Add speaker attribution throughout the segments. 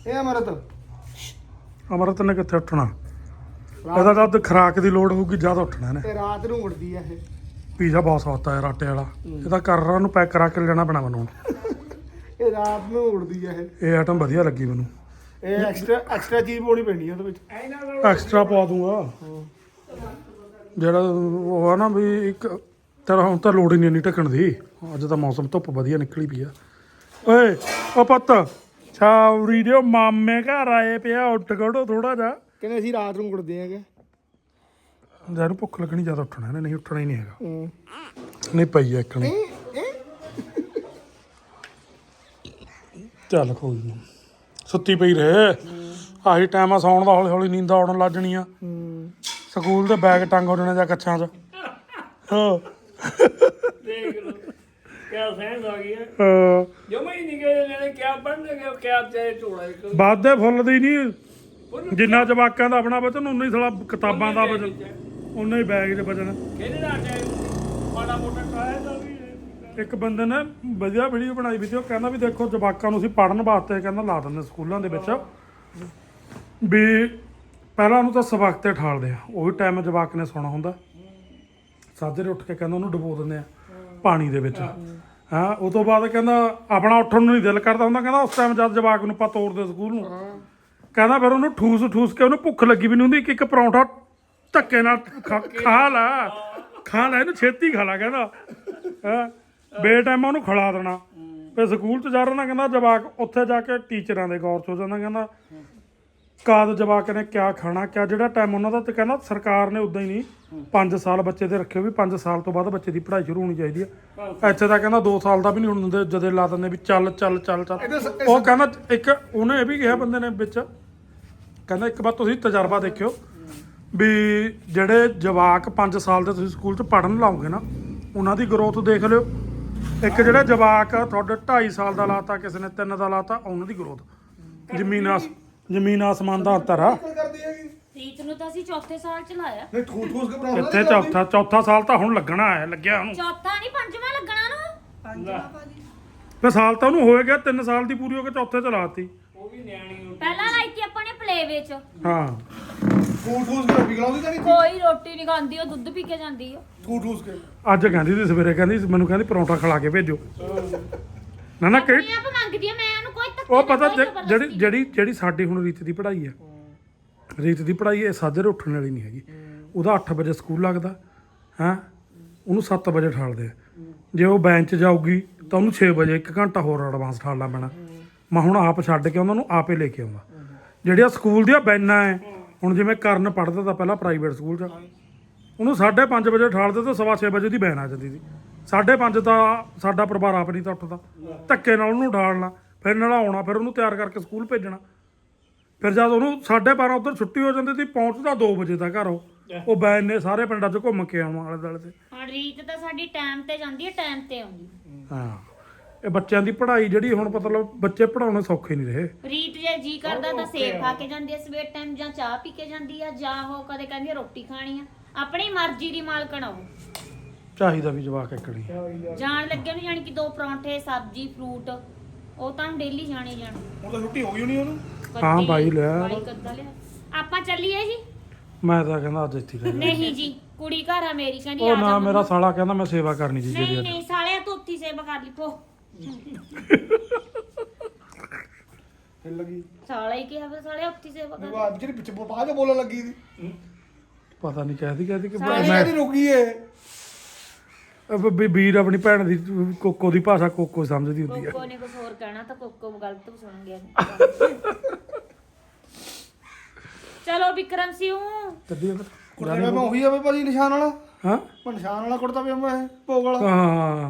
Speaker 1: ਇਹ
Speaker 2: ਅਮਰਤ ਨੇ ਕਿੱਥੇ ਉੱਠਣਾ? ਇਹਦਾ ਜਦ ਖਰਾਕ ਦੀ ਲੋੜ ਹੋਊਗੀ ਜਦ ਉੱਠਣਾ ਇਹਨੇ।
Speaker 1: ਤੇ ਰਾਤ ਨੂੰ ਉੜਦੀ ਆ ਇਹ।
Speaker 2: ਪੀਜ਼ਾ ਬਹੁਤ ਸਵਾਦ ਆ ਯਾਰ ਆਟੇ ਵਾਲਾ। ਇਹਦਾ ਕਰਰਾਂ ਨੂੰ ਪੈਕ ਕਰਾ ਕੇ ਲੈਣਾ ਪੈਣਾ ਮੈਨੂੰ।
Speaker 1: ਇਹ ਰਾਤ ਨੂੰ ਉੜਦੀ ਆ ਇਹ।
Speaker 2: ਇਹ ਆਈਟਮ ਵਧੀਆ ਲੱਗੀ ਮੈਨੂੰ।
Speaker 1: ਇਹ ਐਕਸਟਰਾ ਚੀਜ਼ ਪਾਉਣੀ ਪੈਣੀ ਉਹਦੇ ਵਿੱਚ।
Speaker 2: ਐਕਸਟਰਾ ਪਾ ਦੂੰਗਾ। ਜਿਹੜਾ ਉਹ ਆ ਨਾ ਵੀ ਇੱਕ ਤੇਰਾ ਹੁਣ ਤਾਂ ਲੋੜ ਹੀ ਨਹੀਂ ਇੰਨੀ ਢੱਕਣ ਦੀ। ਅੱਜ ਤਾਂ ਮੌਸਮ ਧੁੱਪ ਵਧੀਆ ਨਿਕਲੀ ਪਈ ਆ। ਓਏ ਉਹ ਪੁੱਤ ਛਾਉਰੀ ਦੇ ਮਾਮੇ ਘਰ ਆਏ ਪਿਆ, ਉੱਠ ਖੜੋ ਥੋੜਾ ਜਿਹਾ।
Speaker 1: ਕਹਿੰਦੇ ਅਸੀਂ ਰਾਤ ਨੂੰ ਉੜਦੇ ਆਂਗੇ।
Speaker 2: ਜਦੋਂ ਭੁੱਖ ਲੱਗਣੀ ਜ਼ਿਆਦਾ ਉੱਠਣਾ ਇਹਨੇ, ਨਹੀਂ ਉੱਠਣਾ ਹੀ ਨਹੀਂ ਹੈਗਾ। ਨਹੀਂ ਪਈ ਇੱਕ ਨਹੀਂ। ਚੱਲ ਕੋਈ ਨਹੀਂ, ਸੁੱਤੀ ਪਈ ਰਹੇ। ਆਹੀ ਟਾਈਮ ਆ ਸੌਣ ਦਾ। ਹੌਲੀ ਹੌਲੀ ਨੀਂਦਾਂ ਆਉਣ ਲੱਗ ਜਾਣੀਆਂ। ਸਕੂਲ ਦੇ ਬੈਗ ਟੰਗ ਹੋ ਜਾਣੇ ਜਾਂ ਕੱਛਾਂ 'ਚ। ਹਾਂ
Speaker 3: ਦੇਖ ਲਓ ਕਿਆ ਸੈਂਸ ਆ ਗਈ ਹੈ।
Speaker 2: ਹਾਂ
Speaker 3: ਜਮਾ ਹੀ ਨਹੀਂ ਗਏ ਨੇ ਕਿਆ ਪੜਨਗੇ ਕਿਆ ਚਾਹੇ ਝੋਲਾ ਇੱਕ
Speaker 2: ਵਾਧੇ ਫੁੱਲ ਦੀ ਨਹੀਂ। ਜਿੰਨਾ ਜਵਾਕਾਂ ਦਾ ਆਪਣਾ ਵਜਨ ਉਨਾ ਹੀ ਸਾਲਾ ਕਿਤਾਬਾਂ ਦਾ ਵਜਨ, ਉਨਾ ਹੀ ਬੈਗ 'ਚ ਵਜਨ।
Speaker 3: ਕਿਹਦੇ ਦਾ ਟਾਈਮ ਮਾੜਾ ਮੋਟਾ ਟਰਾਇਆ ਦਾ ਵੀ
Speaker 2: ਇੱਕ ਬੰਦੇ ਨੇ ਵਧੀਆ ਵੀਡੀਓ ਬਣਾਈ ਵੀ ਤੇ ਉਹ ਕਹਿੰਦਾ ਵੀ ਦੇਖੋ ਜਵਾਕਾਂ ਨੂੰ ਅਸੀਂ ਪੜ੍ਹਨ ਵਾਸਤੇ ਕਹਿੰਦਾ ਲਾ ਦਿੰਦੇ ਸਕੂਲਾਂ ਦੇ ਵਿੱਚ ਵੀ ਪਹਿਲਾਂ ਉਹਨੂੰ ਤਾਂ ਸਬਕ ਤੇ ਠਾਲਦੇ ਆ। ਉਹੀ ਟਾਈਮ ਜਵਾਕ ਨੇ ਸੌਣਾ ਹੁੰਦਾ। ਸਾਜਰੇ ਉੱਠ ਕੇ ਕਹਿੰਦਾ ਉਹਨੂੰ ਡੁਬੋ ਦਿੰਦੇ ਆ ਪਾਣੀ ਦੇ ਵਿੱਚ। ਹਾਂ ਉਹ ਤੋਂ ਬਾਅਦ ਕਹਿੰਦਾ ਆਪਣਾ ਉੱਠਣ ਨੂੰ ਨਹੀਂ ਦਿਲ ਕਰਦਾ ਹੁੰਦਾ। ਕਹਿੰਦਾ ਉਸ ਟਾਈਮ ਜਦ ਜਵਾਕ ਨੂੰ ਆਪਾਂ ਤੋਰਦੇ ਸਕੂਲ ਨੂੰ, ਕਹਿੰਦਾ ਫਿਰ ਉਹਨੂੰ ਠੂਸ ਕੇ ਉਹਨੂੰ ਭੁੱਖ ਲੱਗੀ ਵੀ ਨਹੀਂ ਹੁੰਦੀ। ਇੱਕ ਪਰੌਂਠਾ ਧੱਕੇ ਨਾਲ ਖਾ ਲੈ ਇਹਨੂੰ ਛੇਤੀ ਖਾ ਲਾ ਕਹਿੰਦਾ। ਹਾਂ ਬੇਟਾਈਮਾ ਉਹਨੂੰ ਖਿਲਾ ਦੇਣਾ। ਫਿਰ ਸਕੂਲ 'ਚ ਜਾ ਰਹਿਣਾ ਕਹਿੰਦਾ ਜਵਾਕ। ਉੱਥੇ ਜਾ ਕੇ ਟੀਚਰਾਂ ਦੇ ਗੌਰ 'ਚ ਹੋ ਜਾਂਦਾ। ਕਹਿੰਦਾ ਕਦ ਜਵਾਕ ਨੇ ਕਿਆ ਖਾਣਾ ਕਿਆ ਜਿਹੜਾ ਟਾਈਮ ਉਹਨਾਂ ਦਾ। ਤੇ ਕਹਿੰਦਾ ਸਰਕਾਰ ਨੇ ਉੱਦਾਂ ਹੀ ਨਹੀਂ 5 ਸਾਲ ਬੱਚੇ ਦੇ ਰੱਖੇ ਵੀ 5 ਸਾਲ ਤੋਂ ਬਾਅਦ ਬੱਚੇ ਦੀ ਪੜ੍ਹਾਈ ਸ਼ੁਰੂ ਹੋਣੀ ਚਾਹੀਦੀ ਹੈ। ਇੱਥੇ ਤਾਂ ਕਹਿੰਦਾ 2 ਸਾਲ ਦਾ ਵੀ ਨਹੀਂ ਹੁਣ ਦਿੰਦੇ। ਜਦੇ ਲਾ ਦਿੰਦੇ ਵੀ ਚੱਲ। ਉਹ ਕਹਿੰਦਾ ਇੱਕ ਉਹਨੇ ਇਹ ਵੀ ਕਿਹਾ ਬੰਦੇ ਨੇ ਵਿੱਚ, ਕਹਿੰਦਾ ਇੱਕ ਵਾਰ ਤੁਸੀਂ ਤਜਰਬਾ ਦੇਖਿਓ ਵੀ ਜਿਹੜੇ ਜਵਾਕ 5 ਸਾਲ ਦੇ ਤੁਸੀਂ ਸਕੂਲ 'ਚ ਪੜ੍ਹਨ ਲਾਓਗੇ ਨਾ ਉਹਨਾਂ ਦੀ ਗਰੋਥ ਦੇਖ ਲਿਓ। ਇੱਕ ਜਿਹੜਾ ਜਵਾਕ ਤੁਹਾਡੇ 2.5 ਸਾਲ ਦਾ ਲਾਤਾ, ਕਿਸੇ ਨੇ 3 ਦਾ ਲਾਤਾ, ਉਹਨਾਂ ਦੀ ਗਰੋਥ ਜ਼ਮੀਨ ਆਸਮਾਨ ਦਾ ਅੰਤਰ ਆ।
Speaker 4: ਰੀਤ ਨੂੰ ਤਾਂ ਅਸੀਂ ਚੌਥੇ ਸਾਲ ਚ ਲਾਇਆ।
Speaker 1: ਨਹੀਂ ਠੂਸ ਕੇ ਬਣਾਉਂਦਾ।
Speaker 2: ਇੱਥੇ ਚੌਥਾ ਸਾਲ ਤਾਂ ਹੁਣ ਲੱਗਣਾ ਹੈ, ਲੱਗਿਆ ਉਹਨੂੰ।
Speaker 4: ਚੌਥਾ ਨਹੀਂ ਪੰਜਵਾਂ ਲੱਗਣਾ ਨੂੰ।
Speaker 2: ਤੇ ਸਾਲ ਤਾਂ ਉਹਨੂੰ ਹੋਏ ਗਿਆ 3 ਸਾਲ ਦੀ ਪੂਰੀ ਹੋ ਕੇ ਚੌਥੇ ਚ ਲਾਤੀ।
Speaker 3: ਉਹ ਵੀ ਨਿਆਣੀ
Speaker 4: ਪਹਿਲਾਂ ਲਾਈ ਤੀ ਆਪਾਂ ਨੇ ਪਲੇ ਵਿੱਚ।
Speaker 2: ਹਾਂ
Speaker 1: ਠੂਸ ਕੇ ਰੋਟੀ ਖਿਲਾਉਂਦੀ ਤਾਂ ਨਹੀਂ।
Speaker 4: ਕੋਈ ਰੋਟੀ ਨਹੀਂ ਖਾਂਦੀ, ਉਹ ਦੁੱਧ ਪੀ ਕੇ ਜਾਂਦੀ ਆ।
Speaker 1: ਠੂਸ ਕੇ
Speaker 2: ਅੱਜ ਕਹਿੰਦੀ ਸੀ ਸਵੇਰੇ, ਕਹਿੰਦੀ ਮੈਨੂੰ ਕਹਿੰਦੀ ਪਰੌਂਠਾ ਖਿਲਾ ਕੇ ਭੇਜੋ। ਨਾ ਕਈ
Speaker 4: ਆਪਣੇ ਆਪ ਮੰਗਦੀ ਆ। ਮੈਂ ਉਹਨੂੰ ਕੋਈ ਧੱਕੇ
Speaker 2: ਉਹ ਪਤਾ
Speaker 4: ਕੋਈ ਜ਼ਬਰਦਸਤੀ।
Speaker 2: ਜਿਹੜੀ ਸਾਡੀ ਹੁਣ ਰੀਤ ਦੀ ਪੜ੍ਹਾਈ ਹੈ, ਰੀਤ ਦੀ ਪੜ੍ਹਾਈ ਇਹ ਸਾਜਰੇ ਉੱਠਣ ਵਾਲੀ ਨਹੀਂ ਹੈਗੀ। ਉਹਦਾ 8 ਵਜੇ ਸਕੂਲ ਲੱਗਦਾ ਹੈ, ਉਹਨੂੰ 7 ਵਜੇ ਠਾਲਦੇ ਆ। ਜੇ ਉਹ ਬੈਂਚ ਜਾਊਗੀ ਤਾਂ ਉਹਨੂੰ 6 ਵਜੇ 1 ਘੰਟਾ ਹੋਰ ਐਡਵਾਂਸ ਠਾਲਣਾ ਪੈਣਾ। ਮੈਂ ਹੁਣ ਆਪ ਛੱਡ ਕੇ ਉਹਨਾਂ ਨੂੰ ਆਪੇ ਲੈ ਕੇ ਆਉਂਦਾ। ਜਿਹੜੀਆਂ ਸਕੂਲ ਦੀਆਂ ਬੈਨਾਂ ਹੈ, ਹੁਣ ਜਿਵੇਂ ਕਰਨ ਪੜ੍ਹਦਾ ਤਾਂ ਪਹਿਲਾਂ ਪ੍ਰਾਈਵੇਟ ਸਕੂਲ 'ਚ, ਉਹਨੂੰ 5:30 ਵਜੇ ਠਾਲਦੇ ਤਾਂ 6:15 ਵਜੇ ਦੀ ਬੈਨ ਆ ਜਾਂਦੀ ਸੀ। 5:30 ਤਾਂ ਸਾਡਾ ਪਰਿਵਾਰ ਆਪ ਨਹੀਂ ਤਾਂ ਉੱਠਦਾ। ਧੱਕੇ ਨਾਲ ਉਹਨੂੰ ਉਠਾਲਣਾ, ਫਿਰ ਨਲਾਉਣਾ, ਫਿਰ ਉਹਨੂੰ ਤਿਆਰ ਕਰਕੇ ਸਕੂਲ ਭੇਜਣਾ। ਫਿਰ ਜਦ ਉਹਨੂੰ 12:30 ਉੱਧਰ ਛੁੱਟੀ ਹੋ ਜਾਂਦੀ ਸੀ, ਪਹੁੰਚਦਾ 2 ਵਜੇ ਦਾ ਘਰ। ਉਹ ਬੈਨ ਨੇ ਸਾਰੇ ਪਿੰਡਾਂ 'ਚ ਘੁੰਮ ਕੇ ਆਉਣਾ ਆਲੇ ਦੁਆਲੇ ਤੇ।
Speaker 4: ਹੁਣ ਰੀਤ ਤਾਂ ਸਾਡੀ ਟਾਈਮ ਤੇ ਜਾਂਦੀ ਹੈ, ਟਾਈਮ ਤੇ ਆਉਂਦੀ।
Speaker 2: ਹਾਂ ਇਹ ਬੱਚਿਆਂ ਦੀ ਪੜ੍ਹਾਈ ਜਿਹੜੀ ਹੁਣ ਮਤਲਬ ਬੱਚੇ ਪੜ੍ਹਾਉਣੇ ਸੌਖੇ ਨਹੀਂ ਰਹੇ।
Speaker 4: ਰੀਤ ਜੇ ਜੀ ਕਰਦਾ ਤਾਂ ਸੇਬ ਖਾ ਕੇ ਜਾਂਦੀ ਆ ਸਵੇਰ ਟਾਈਮ, ਜਾਂ ਚਾਹ ਪੀ ਕੇ ਜਾਂਦੀ ਆ, ਜਾਂ ਉਹ ਕਦੇ ਕਹਿੰਦੀ ਆ ਰੋਟੀ ਖਾਣੀ ਆ। ਆਪਣੀ ਮਰਜ਼ੀ ਦੀ ਮਾਲਕਣ ਆਉ।
Speaker 2: ਚਾਹੀਦਾ ਵੀ ਜਵਾਕ ਇੱਕਣੀ
Speaker 4: ਜਾਣ ਲੱਗੇ ਨੂੰ ਜਾਣੀ ਕਿ 2 ਪਰੌਂਠੇ, ਸਬਜ਼ੀ, ਫਰੂਟ, ਉਹ ਤਾਂ ਡੇਲੀ ਜਾਣੇ ਜਾਣ।
Speaker 1: ਹੁਣ ਤਾਂ ਛੁੱਟੀ ਹੋ ਗਈ ਹੋਣੀ ਉਹਨੂੰ।
Speaker 2: ਹਾਂ ਬਾਈ ਲਿਆ।
Speaker 4: ਬਾਈ ਕੱਦਾ ਲਿਆ। ਆਪਾਂ ਚੱਲੀਏ ਜੀ।
Speaker 2: ਮੈਂ ਤਾਂ ਕਹਿੰਦਾ ਅੱਜ ਇੱਥੇ ਰਹਿ
Speaker 4: ਨਹੀਂ ਜੀ, ਕੁੜੀ ਘਰ ਆ ਮੇਰੀ, ਕਹਿੰਦੀ
Speaker 2: ਉਹ
Speaker 4: ਆ
Speaker 2: ਨਾ
Speaker 4: ਜਾ।
Speaker 2: ਮੇਰਾ ਸਾਲਾ ਕਹਿੰਦਾ ਮੈਂ ਸੇਵਾ ਕਰਨੀ ਜੀ
Speaker 4: ਨਹੀਂ
Speaker 2: ਜਿਹੜੀ
Speaker 4: ਨਹੀਂ ਸਾਲਿਆ ਤੂੰ ਉੱਥੀ ਸੇਵਾ ਕਰ ਲਈ ਪੋ।
Speaker 1: ਹਿੱਲ ਲੱਗੀ।
Speaker 4: ਸਾਲਾ ਹੀ ਕਿਹਾ ਫਿਰ ਸਾਲਿਆ ਉੱਥੀ ਸੇਵਾ ਕਰ।
Speaker 1: ਉਹ ਜਿਹੜੀ ਪਿੱਛੇ ਬਾਅਦ ਚ ਬੋਲਣ ਲੱਗੀ ਸੀ।
Speaker 2: ਪਤਾ ਨਹੀਂ ਕਹਿਦੀ ਕਿ
Speaker 1: ਮੈਂ ਨਹੀਂ ਰੁਕੀ ਏ।
Speaker 2: ਵੀਰ ਆਪਣੀ ਭੈਣ ਦੀ ਕੋਕੋ ਦੀ ਭਾਸ਼ਾ ਕੋਕੋ ਸਮਝਦੀ ਹੁੰਦੀ ਆ।
Speaker 4: ਕੋਕੋ ਨੇ ਕੁਝ ਹੋਰ ਕਹਿਣਾ ਤਾਂ ਕੋਕੋ ਗਲਤ ਸੁਣ ਗਿਆ। ਚਲੋ ਵਿਕਰਮ ਸਿਉ
Speaker 1: ਕੁੜਤਾ ਮੈਂ ਉਹੀ ਆਵੇ ਭਾਜੀ ਨਿਸ਼ਾਨ ਵਾਲਾ।
Speaker 2: ਹਾਂ
Speaker 1: ਮੈਂ ਨਿਸ਼ਾਨ ਵਾਲਾ ਕੁੜਤਾ ਵੀ ਮੈਂ ਭੋਗ ਵਾਲਾ।
Speaker 2: ਹਾਂ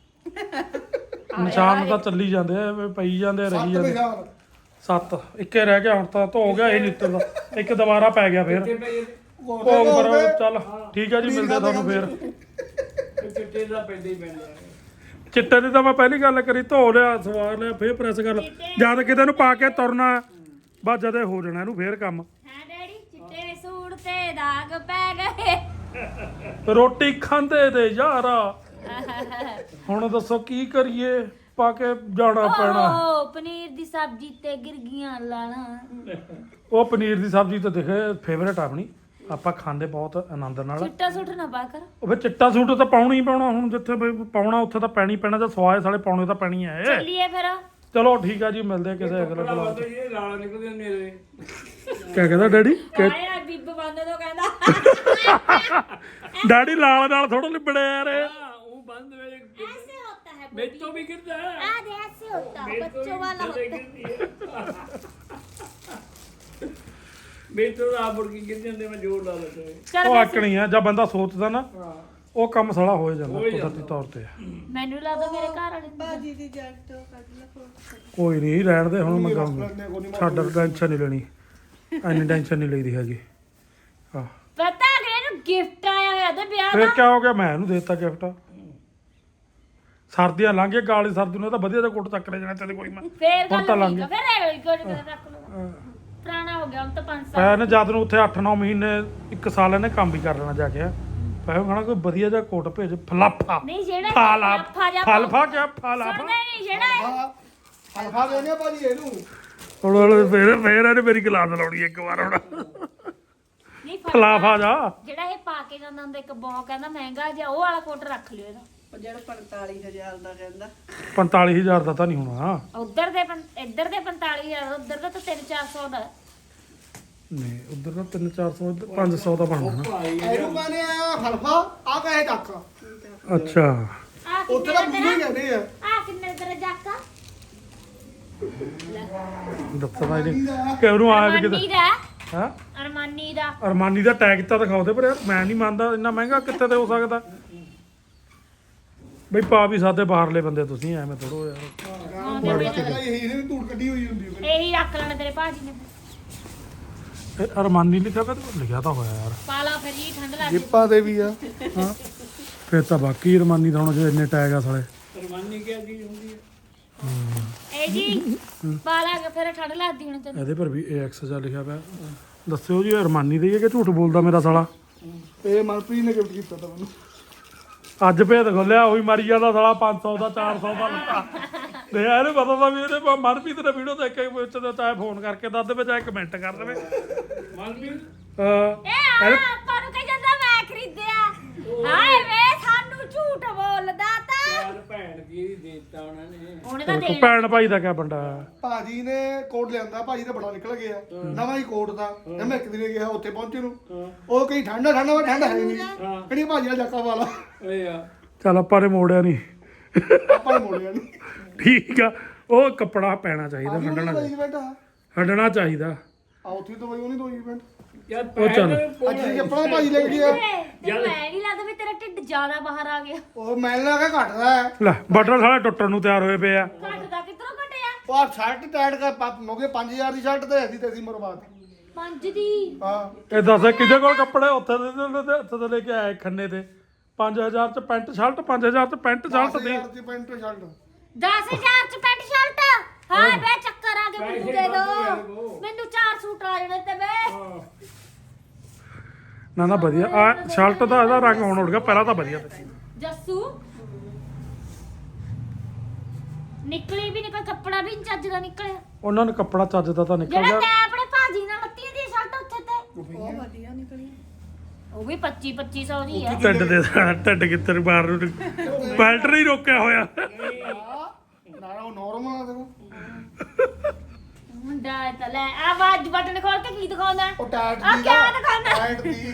Speaker 2: ਨਿਸ਼ਾਨ ਤਾਂ ਚੱਲੀ ਜਾਂਦੇ ਆ, ਪਈ ਜਾਂਦੇ ਰਹੀ ਜਾਂਦੇ। 7 ਇੱਕੇ ਰਹਿ ਗਿਆ ਹੁਣ ਤਾਂ ਧੋ ਗਿਆ ਇਹ ਨਿੱਤਰ ਦਾ। ਇੱਕ ਦੁਬਾਰਾ ਪੈ ਗਿਆ ਫੇਰ ਭੋਗ ਪਰ। ਚੱਲ ਠੀਕ ਆ ਜੀ, ਮਿਲਦੇ ਤੁਹਾਨੂੰ ਫੇਰ।
Speaker 3: ਚਿੱਟੇ ਦਾ ਪੈਂਦੇ ਹੀ ਪੈਂਦੇ ਆ।
Speaker 2: ਚਿੱਟੇ ਦੀ ਤਾਂ ਮੈਂ ਪਹਿਲੀ ਗੱਲ ਕਰੀ, ਧੋ ਲਿਆ, ਸਵਾਰ ਲਿਆ, ਫੇਰ ਪ੍ਰੈਸ ਕਰ ਲਿਆ। ਜਦ ਕਿਤੇ ਨੂੰ ਪਾ ਕੇ ਤੁਰਨਾ ਬਸ ਜਦੇ ਹੋ ਜਾਣਾ ਇਹਨੂੰ ਫੇਰ ਕੰਮ।
Speaker 4: ਹਾਂ ਡੈਡੀ, ਚਿੱਟੇ ਸੂਟ ਤੇ ਦਾਗ ਪੈ ਗਏ।
Speaker 2: ਰੋਟੀ ਖਾਂਦੇ ਤੇ ਯਾਰਾ। ਹੁਣ ਦੱਸੋ ਕੀ ਕਰੀਏ। ਪਾ ਕੇ ਜਾਣਾ ਪੈਣਾ।
Speaker 4: ਓ ਪਨੀਰ ਦੀ ਸਬਜ਼ੀ ਤੇ ਗਿਰ ਗਈਆਂ ਲਾਣਾ।
Speaker 2: ਉਹ ਪਨੀਰ ਦੀ ਸਬਜ਼ੀ ਤਾਂ ਦੇਖੇ ਫੇਵਰੇਟ ਆਪਣੀ, ਆਪਾਂ ਖਾਂਦੇ ਬਹੁਤ ਆਨੰਦ ਨਾਲ।
Speaker 4: ਚਿੱਟਾ ਸੁੱਟ ਨਾ ਪਾ ਕਰ।
Speaker 2: ਉਹ ਫਿਰ ਚਿੱਟਾ ਸੂਟ ਤਾਂ ਪਾਉਣਾ ਹੀ ਪਾਉਣਾ, ਹੁਣ ਜਿੱਥੇ ਬਈ ਪਾਉਣਾ ਉੱਥੇ ਤਾਂ ਪੈਣੀ ਪੈਣਾ, ਜਾਂ ਸਵਾਏ ਸਾਲੇ ਪਾਉਣੇ ਤਾਂ ਪੈਣੀ ਹੈ।
Speaker 4: ਚੱਲੀਏ ਫਿਰ।
Speaker 2: ਚਲੋ ਠੀਕ ਆ ਜੀ, ਮਿਲਦੇ ਆ ਕਿਸੇ ਅਗਲੇ
Speaker 3: ਕੱਪੜਾ
Speaker 2: ਬਲੌਗ
Speaker 3: ਬੰਦ ਇਹ ਲਾਲ ਨਿਕਲਦੇ ਮੇਰੇ।
Speaker 2: ਕਿਆ ਕਹਿੰਦਾ ਡੈਡੀ?
Speaker 4: ਆਇਆ ਬਿੱਬ ਬੰਦ ਤੋਂ ਕਹਿੰਦਾ
Speaker 2: ਡੈਡੀ ਲਾਲ ਨਾਲ ਥੋੜਾ ਲਿਬੜਿਆ ਯਾਰ ਇਹ।
Speaker 3: हाँ, वो बंद मेरे
Speaker 4: ऐसे होता है
Speaker 3: मेरे तो भी गिरता है।
Speaker 4: आज ऐसे होता है
Speaker 3: मेरे तो
Speaker 4: बच्चों
Speaker 3: भी
Speaker 4: वाला
Speaker 3: गिरता
Speaker 4: होता है।
Speaker 3: मेरे तो आप मुड़ के गिर जाते मैं जोर ला लेता है।
Speaker 4: ਚੱਲ
Speaker 2: ਉਹ
Speaker 4: ਵੈਸੇ
Speaker 2: ਆਕਣੀ ਆ, ਜਦ ਬੰਦਾ ਸੋਚਦਾ ਨਾ
Speaker 3: हाँ
Speaker 2: ਉਹ ਕੰਮ ਸਾਲਾ ਹੋ ਜਾਂਦਾ
Speaker 3: ਹੋ ਹੀ
Speaker 2: ਕੁਦਰਤੀ ਤੌਰ ਤੇ।
Speaker 4: ਮੈਨੂੰ ਲੱਗਦਾ ਮੇਰੇ ਘਰ ਵਾਲੇ ਨੂੰ-
Speaker 5: ਬਾਜੀ ਦੀ ਜੱਟ ਤੋਂ ਕੱਢ ਲਾ ਫੋਟੋ।
Speaker 2: ਕੋਈ ਨਹੀਂ, ਰਹਿਣ ਦੇ ਹੁਣ, ਮੈਂ
Speaker 1: ਰੱਖ
Speaker 2: ਕਹੂੰਗਾ
Speaker 1: ਲੈਂਦੇ ਕੋਈ ਨਹੀਂ
Speaker 2: ਛੱਡ, ਟੈਨਸ਼ਨ ਨਹੀਂ ਲੈਣੀ, ਐਨੀ ਟੈਨਸ਼ਨ ਨਹੀਂ ਲਈਦੀ ਹੈਗੀ। ਹਾਂ
Speaker 4: ਪਤਾ ਅਗਲੇ ਨੂੰ ਗਿਫਟ ਆਇਆ ਹੋਇਆ ਤੇ ਵਿਆਹ
Speaker 2: ਫਿਰ
Speaker 4: ਦਾ।
Speaker 2: ਕਿਆ ਹੋ ਗਿਆ, ਮੈਂ ਇਹਨੂੰ ਦੇ ਦਿੱਤਾ ਗਿਫਟ। ਸਰਦੀਆਂ ਲੰਘ ਗਏ, ਗਾਲੀ ਸਰਦੀ ਨੂੰ ਤਾਂ ਵਧੀਆ ਜਿਹਾ ਕੋਟ ਚੱਕ ਲੈ ਜਾਣਾ ਚਾਹੀਦਾ ਕੋਈ ਮੈਂ।
Speaker 4: ਫੇਰ
Speaker 2: ਹੁਣ
Speaker 4: ਗੱਲ
Speaker 2: ਤਾਂ ਲੰਘ
Speaker 4: ਠੀਕ ਆ, ਫਿਰ ਇਹ ਕੋਈ ਰੱਖ ਲਓ। ਪੁਰਾਣਾ ਹੋ ਗਿਆ ਹੁਣ ਤਾਂ 5 ਸਾਲ।
Speaker 2: ਪੈਨ ਜਦ ਨੂੰ ਉੱਥੇ 8-9 ਮਹੀਨੇ 1 ਸਾਲ ਇਹਨੇ ਕੰਮ ਵੀ ਕਰ ਲੈਣਾ ਜਾ ਕੇ। ਪੈ ਕਹਣਾ ਕੋਈ ਵਧੀਆ ਜਿਹਾ ਕੋਟ ਭੇਜ, ਫਲਾਫਾ
Speaker 4: ਨਹੀਂ ਜਿਹੜਾ
Speaker 2: ਫਾਲਾ
Speaker 4: ਫਲਾਫਾ ਜਿਹਾ
Speaker 2: ਫਲਫਾ ਕਿਆ ਫਲਾਫਾ।
Speaker 4: ਸੁਣਦਾ ਹੀ ਨਹੀਂ ਜਿਹੜਾ
Speaker 1: ਹਲਫਾ ਦੇਣੇ ਆ ਭਾਜੀ ਇਹਨੂੰ।
Speaker 2: ਹੁਣ ਫੇਰ ਇਹਨੇ ਮੇਰੀ ਗਲਾਸ ਲਾਉਣੀ ਇੱਕ ਵਾਰ ਹੁਣ।
Speaker 4: ਨਹੀਂ
Speaker 2: ਫਲਾਫਾ ਜਾ
Speaker 4: ਜਿਹੜਾ ਇਹ ਪਾ ਕੇ ਜਾਂਦਾ ਹੁੰਦਾ ਇੱਕ ਬਹੁਤ ਕਹਿੰਦਾ ਮਹਿੰਗਾ ਜਿਹਾ, ਉਹ ਵਾਲਾ ਕੋਟ ਰੱਖ ਲਿਓ ਇਹਦਾ।
Speaker 5: ਉਹ ਜਿਹੜਾ 45,000 ਦਾ ਕਹਿੰਦਾ
Speaker 2: 45,000 ਦਾ ਤਾਂ ਨਹੀਂ ਹੋਣਾ।
Speaker 4: ਉਧਰ ਦੇ ਇੱਧਰ ਦੇ 45,000, ਉਧਰ ਦਾ ਤਾਂ 300-400 ਦਾ।
Speaker 2: ਨਹੀਂ ਉਧਰ ਦਾ 300-400, 500 ਦਾ ਬਣਨਾ।
Speaker 1: ਇਹਨੂੰ ਕਹਿੰਦੇ ਆ ਹਲਫਾ, ਆ ਕਹੇ ਚੱਕ।
Speaker 2: ਅੱਛਾ
Speaker 4: ਆ
Speaker 1: ਉੱਥੇ ਤਾਂ ਮੂੰਹ ਹੀ ਕਹਿੰਦੇ ਆ।
Speaker 4: ਆ ਕਿੰਨੇ ਤੇਰਾ ਜਾਕਾ?
Speaker 2: ਦੱਸਦਾ ਇਹਨੇ ਕਿ ਉਹਨੂੰ ਆਇਆ ਵੀ
Speaker 4: ਅਰਮਾਨੀ
Speaker 2: ਕਿਤੇ।
Speaker 4: ਦਾ
Speaker 2: ਹਾਂ
Speaker 4: ਅਰਮਾਨੀ ਦਾ
Speaker 2: ਅਰਮਾਨੀ ਦਾ ਟੈਗ ਤਾਂ ਦਿਖਾਓ ਦੇ, ਪਰ ਯਾਰ ਮੈਂ ਨਹੀਂ ਮੰਨਦਾ ਇੰਨਾ ਮਹਿੰਗਾ ਕਿੱਥੇ ਤੇ ਹੋ ਸਕਦਾ ਬਈ। ਪਾ ਵੀ ਸਾਦੇ ਬਾਹਰਲੇ ਬੰਦੇ ਤੁਸੀਂ, ਐਵੇਂ ਥੋੜੋ ਯਾਰ।
Speaker 1: ਮਾੜੀ ਇਹਨੇ ਵੀ ਧੂੜ ਕੱਢੀ ਹੋਈ ਹੁੰਦੀ ਹੈ।
Speaker 4: ਇਹੀ ਰੱਖ ਲੈਣਾ ਤੇਰੇ ਭਾਜੀ ਨੇ।
Speaker 2: ਇਹ ਅਰਮਾਨੀ ਲਿਖਿਆ ਪਿਆ ਤੇ ਲਿਖਿਆ ਤਾਂ ਹੋਇਆ ਯਾਰ।
Speaker 4: ਪਾਲਾ ਫਿਰ ਹੀ ਠੰਡ ਲੱਗ ਗਈ।
Speaker 1: ਜਿੱਪਾਂ ਦੇ ਵੀ ਆ।
Speaker 2: ਹਾਂ ਫਿਰ ਤਾਂ ਬਾਕੀ ਅਰਮਾਨੀ ਦਾ ਹੁਣ ਜੇ ਇੰਨੇ ਟੈਗ ਆ ਸਾਲੇ।
Speaker 3: परवानी क्या चीज होती है?
Speaker 4: ਇਹ ਜੀ ਪਾਲਾ ਫਿਰ ਠੰਡ ਲੱਗਦੀ ਹੁਣ ਤੈਨੂੰ।
Speaker 2: ਇਹਦੇ ਪਰ ਵੀ AX ਜਾ ਲਿਖਿਆ ਪਿਆ। ਦੱਸਿਓ ਜੀ ਅਰਮਾਨੀ ਦੀ ਹੈ ਕਿ ਝੂਠ ਬੋਲਦਾ ਮੇਰਾ ਸਾਲਾ।
Speaker 1: ਇਹ ਮਨਪ੍ਰੀਤ ਨੇ ਗਿਫਟ ਕੀਤਾ ਤਾਂ ਮੈਨੂੰ।
Speaker 2: ਅੱਜ ਭੇਦ ਖੋਲਿਆ, ਉਹੀ ਮਰੀ ਜਾਂਦਾ ਸਾਲਾ 500 ਦਾ 400 ਦਾ ਲੱਤਾ। ਤੇ ਇਹਨੂੰ ਪਤਾ ਤਾਂ ਵੀ ਇਹਦੇ ਮਨਪ੍ਰੀਤ ਨੇ ਵੀਡੀਓ ਦੇਖ ਕੇ ਵਿੱਚ ਤਾਂ ਚਾਹੇ ਫੋਨ ਕਰਕੇ ਦੱਸ ਦੇਵੇ, ਚਾਹੇ ਕਮੈਂਟ ਕਰ ਦੇਵੇ।
Speaker 3: मालवीन
Speaker 4: ਇਹ ਆਪਾਂ ਨੂੰ ਕਹੀ ਜਾਂਦਾ ਮੈਂ ਖਰੀਦਿਆ। ਹਾਏ ਵੇ ਸਾਨੂੰ ਝੂਠ ਬੋਲਦਾ ਤਾਂ।
Speaker 3: यार भैन की देता उन्होंने।
Speaker 4: ਉਹਨੇ ਤਾਂ ਦੇਣਾ।
Speaker 2: ਭੈਣ ਭਾਈ ਦਾ ਕਿਆ ਬੰਦਾ।
Speaker 1: ਭਾਜੀ ਨੇ ਕੋਟ ਲਿਆਂਦਾ, ਭਾਜੀ ਦਾ ਬੜਾ ਨਿਕਲ ਗਿਆ ਨਵਾਂ ਹੀ ਕੋਟ ਦਾ। ਮੈਂ ਇੱਕ ਦਿਨ ਗਿਆ ਉੱਥੇ ਪਹੁੰਚੇ ਨੂੰ, ਉਹ ਕਹੀ ਠੰਡਾ ਠੰਡਾ, ਵਾ ਠੰਡਾ ਹੈ ਨਹੀਂ। ਕਿਹੜੀ ਭਾਜੀ ਦਾ ਜਾਕਾ ਵਾਲਾ
Speaker 3: अरे यार
Speaker 2: ਚੱਲ ਆਪਾਂ ਨੇ ਮੋੜਿਆ ਨਹੀਂ,
Speaker 1: ਆਪਾਂ ਨੇ ਮੋੜਿਆ ਨਹੀਂ।
Speaker 2: ਠੀਕ ਆ। ਉਹ ਕੱਪੜਾ ਪੈਣਾ ਚਾਹੀਦਾ, ਹੰਡਣਾ
Speaker 1: ਇਵੈਂਟ ਆ
Speaker 2: ਹੰਡਣਾ ਚਾਹੀਦਾ।
Speaker 1: ਉੱਥੇ ਤੋਂ ਬਈ ਉਹਨੇ ਦੋ ਇਵੈਂਟ।
Speaker 3: यार
Speaker 2: ਉਹ ਚੱਲ।
Speaker 1: ਅੱਜ ਹੀ ਆਪਣਾ ਭਾਜੀ ਲੈ ਕੇ ਗਿਆ।
Speaker 4: ਤੈਨੂੰ ਐ ਨਹੀਂ ਲੱਗਦਾ ਵੀ ਤੇਰਾ ਢਿੱਡ ਜ਼ਿਆਦਾ ਬਾਹਰ ਆ ਗਿਆ?
Speaker 1: ਉਹ ਮੈਨੂੰ ਲੱਗਾ ਘਟਦਾ ਹੈ।
Speaker 2: ਲੈ ਬਟਨ ਸਾਲਾ ਟੁੱਟਣ ਨੂੰ ਤਿਆਰ ਹੋਏ ਪਏ ਆ।
Speaker 4: ਘਟਦਾ ਕਿੱਧਰੋਂ ਘਟਿਆ?
Speaker 1: ਉਹ ਆ ਸ਼ਰਟ ਟਾਈਟ ਕਰ ਪਾਪ ਮੋਗੇ 5000 ਦੀ ਸ਼ਰਟ ਤੇ ਅਸੀਂ ਤੇ ਅਸੀਂ ਮਰਵਾਤ।
Speaker 4: 5 ਦੀ
Speaker 1: ਹਾਂ
Speaker 2: ਇਹ ਦੱਸ ਕਿਹਦੇ ਕੋਲ ਕੱਪੜੇ ਉੱਥੇ ਦੇ ਲੈ ਕੇ ਆਏ ਖੰਨੇ ਤੇ 5000 ਚ ਪੈਂਟ ਸ਼ਰਟ, 5000 ਚ ਪੈਂਟ ਸ਼ਰਟ ਦੀ।
Speaker 1: 10,000 ਦੀ ਪੈਂਟ ਸ਼ਰਟ
Speaker 4: 10000 ਚ ਪੈਂਟ ਸ਼ਰਟ। ਹਾਂ ਬੇ ਚੱਕਰ ਆ ਗਏ, ਮੈਨੂੰ ਦੇ ਦੋ। ਮੈਨੂੰ 4 ਸੂਟ ਆ ਜਾਣੇ ਤੇ ਬੇ।
Speaker 2: ਨਾ ਨਾ ਵਧੀਆ ਆ ਸ਼ਰਟ ਦਾ ਇਹਦਾ ਰੰਗ ਹੁਣ ਉੱਡ ਗਿਆ, ਪਹਿਲਾਂ ਤਾਂ ਵਧੀਆ ਤੇ।
Speaker 4: ਜੱਸੂ ਨਿਕਲੀ ਵੀ ਨਿਕਲ, ਕੱਪੜਾ ਵੀ ਨੀ ਚੱਜ ਦਾ ਨਿਕਲਿਆ।
Speaker 2: ਉਹਨਾਂ ਨੂੰ ਕੱਪੜਾ ਚੱਜਦਾ ਤਾਂ ਨਿਕਲ
Speaker 4: ਜਿਹੜਾ
Speaker 2: ਗਿਆ।
Speaker 4: ਤੈਂ ਆਪਣੇ ਭਾਜੀ ਨਾਲ ਲੱਤੀ ਦੀ ਸ਼ਰਟ ਉੱਥੇ ਤੇ
Speaker 5: ਉਹ ਵਧੀਆ ਨਿਕਲੀ।
Speaker 4: ਉਹ ਵੀ 2500 ਦੀ ਆ।
Speaker 2: ਢਿੱਡ ਦੇ ਢਿੱਡ ਕਿੱਧਰ ਬਾਹਰ ਨੂੰ ਬੈਲਟ ਨਹੀਂ ਰੋਕਿਆ ਹੋਇਆ।
Speaker 1: ਨਾ ਉਹ ਨਾਰਮਲ ਆ ਦੇਖੋ।
Speaker 4: ਮੁੰਡਾ ਤਾਂ ਲੈ ਆਵਾਜ਼ ਬਟਨ ਖੋਲ ਕੇ ਕੀ ਦਿਖਾਉਂਦਾ?
Speaker 1: ਉਹ ਟਾਈਟ
Speaker 4: ਆ
Speaker 1: ਦੀ
Speaker 4: ਕਿਆ ਦਿਖਾਉਂਦਾ?
Speaker 1: ਟਾਈਟ ਦੀ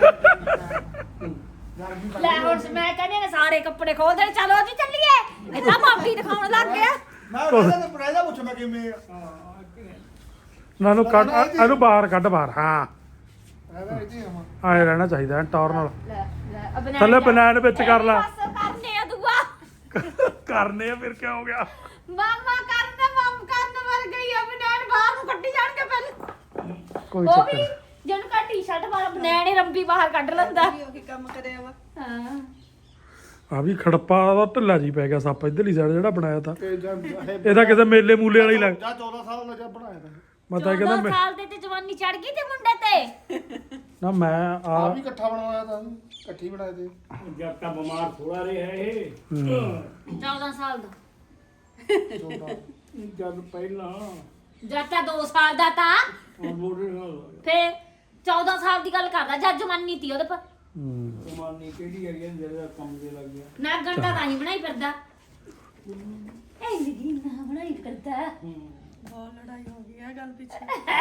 Speaker 4: ਲੈ ਹੁਣ ਮੈਂ ਕਹਿੰਦੀ ਨੇ ਸਾਰੇ ਕੱਪੜੇ ਖੋਲ ਦੇ, ਚਲੋ ਜੀ ਚੱਲੀਏ। ਇਹ ਤਾਂ ਮਾਫੀ ਦਿਖਾਉਣ ਲੱਗ ਗਿਆ।
Speaker 1: ਮੈਂ ਉਹਦਾ ਪ੍ਰਾਈਜ਼ ਪੁੱਛ ਮੈਂ ਕਿਵੇਂ ਆ।
Speaker 2: ਨਾ ਨੂੰ ਕੱਢ ਇਹਨੂੰ ਬਾਹਰ ਕੱਢ ਬਾਹਰ। ਹਾਂ
Speaker 1: ਇਹਦਾ ਇੱਥੇ ਆਵਾਂ।
Speaker 2: ਆਏ ਰਹਿਣਾ ਚਾਹੀਦਾ ਟੌਰ ਨਾਲ।
Speaker 4: ਲੈ ਲੈ
Speaker 2: ਥੱਲੇ ਬਨੈਣ ਵਿੱਚ ਕਰ ਲੈ।
Speaker 4: ਕਰਨੇ ਆ ਦੁਆ
Speaker 2: ਕਰਨੇ ਆ ਫਿਰ ਕਿਆ ਹੋ ਗਿਆ।
Speaker 4: ਮਾਮਾ ਕਰਨ ਮਰ ਗਈ ਆ। ਬਨੈਣ ਬਾਹਰ ਨੂੰ ਕੱਢੀ ਜਾਣਗੇ ਪਹਿਲਾਂ।
Speaker 2: ਕੋਈ
Speaker 4: ਉਹ
Speaker 2: ਚੱਕਰ
Speaker 4: ਵੀ
Speaker 2: ਨਹੀਂ।
Speaker 4: ਜਿਹਨੂੰ ਕਾ ਟੀ-ਸ਼ਰਟ ਵਾਲਾ ਬਨੈਣ ਹੀ ਰੰਬੀ ਬਾਹਰ ਕੱਢ ਲੈਂਦਾ।
Speaker 5: ਵੀ ਉਹੀ ਕੰਮ ਕਰਿਆ ਵਾ।
Speaker 4: ਹਾਂ
Speaker 2: ਆ ਵੀ ਖੜੱਪਾ ਦਾ ਢਿੱਲਾ ਜੀ ਪੈ ਗਿਆ ਸੱਪ ਇਧਰਲੀ ਸਾਈਡ ਜਿਹੜਾ ਬਣਾਇਆ ਤਾਂ।
Speaker 1: ਤੇ ਜਦ
Speaker 2: ਇਹਦਾ ਕਿਸੇ ਮੇਲੇ ਮੂਲੇ ਵਾਲੀ ਲੱਗ।
Speaker 1: ਜਾਂ 14 ਸਾਲ ਦਾ ਜਦ ਬਣਾਇਆ ਤਾਂ
Speaker 2: ਮੈਂ ਤਾਂ ਇਹ ਕਹਿੰਦਾ
Speaker 4: 14 ਸਾਲ ਦੇ ਤੇ ਜਵਾਨੀ ਚੜ ਗਈ ਤੇ ਮੁੰਡੇ ਤੇ।
Speaker 2: ਨਾ ਮੈਂ
Speaker 1: ਆ
Speaker 2: ਆ
Speaker 1: ਵੀ ਇਕੱਠਾ ਬਣਾਇਆ ਤਾਂ ਇਕੱਠੀ ਬਣਾਏ ਤੇ।
Speaker 3: जब तक बीमार थोड़ा रहे है ये
Speaker 4: 14 ਸਾਲ ਦਾ
Speaker 3: ਜਦ ਪਹਿਲਾਂ
Speaker 4: ਜਦ ਤਾਂ 2 ਸਾਲ ਦਾ ਤਾਂ
Speaker 3: ਮੋੜੇ ਨਾਲ
Speaker 4: ਫੇ 14 ਸਾਲ ਦੀ ਗੱਲ ਕਰਦਾ ਜੱਜ ਮੰਨੀ ਤੀ ਉਹਦੇ ਪਰ
Speaker 3: ਮਾਨੀ ਕਿਹੜੀ ਹੈਗੀ ਆ ਜਿਹੜਾ ਕੰਮ ਦੇ ਲੱਗ ਗਿਆ
Speaker 4: ਨਾ ਘੰਟਾ ਤਾਂ ਹੀ ਬਣਾਈ ਫਿਰਦਾ ਇਹ ਲਗੀ ਨਾ ਬਣਾਈ ਫਿਰਦਾ
Speaker 5: ਬਹੁਤ ਲੜਾਈ ਹੋ ਗਈ ਆ ਗੱਲ ਪਿੱਛੇ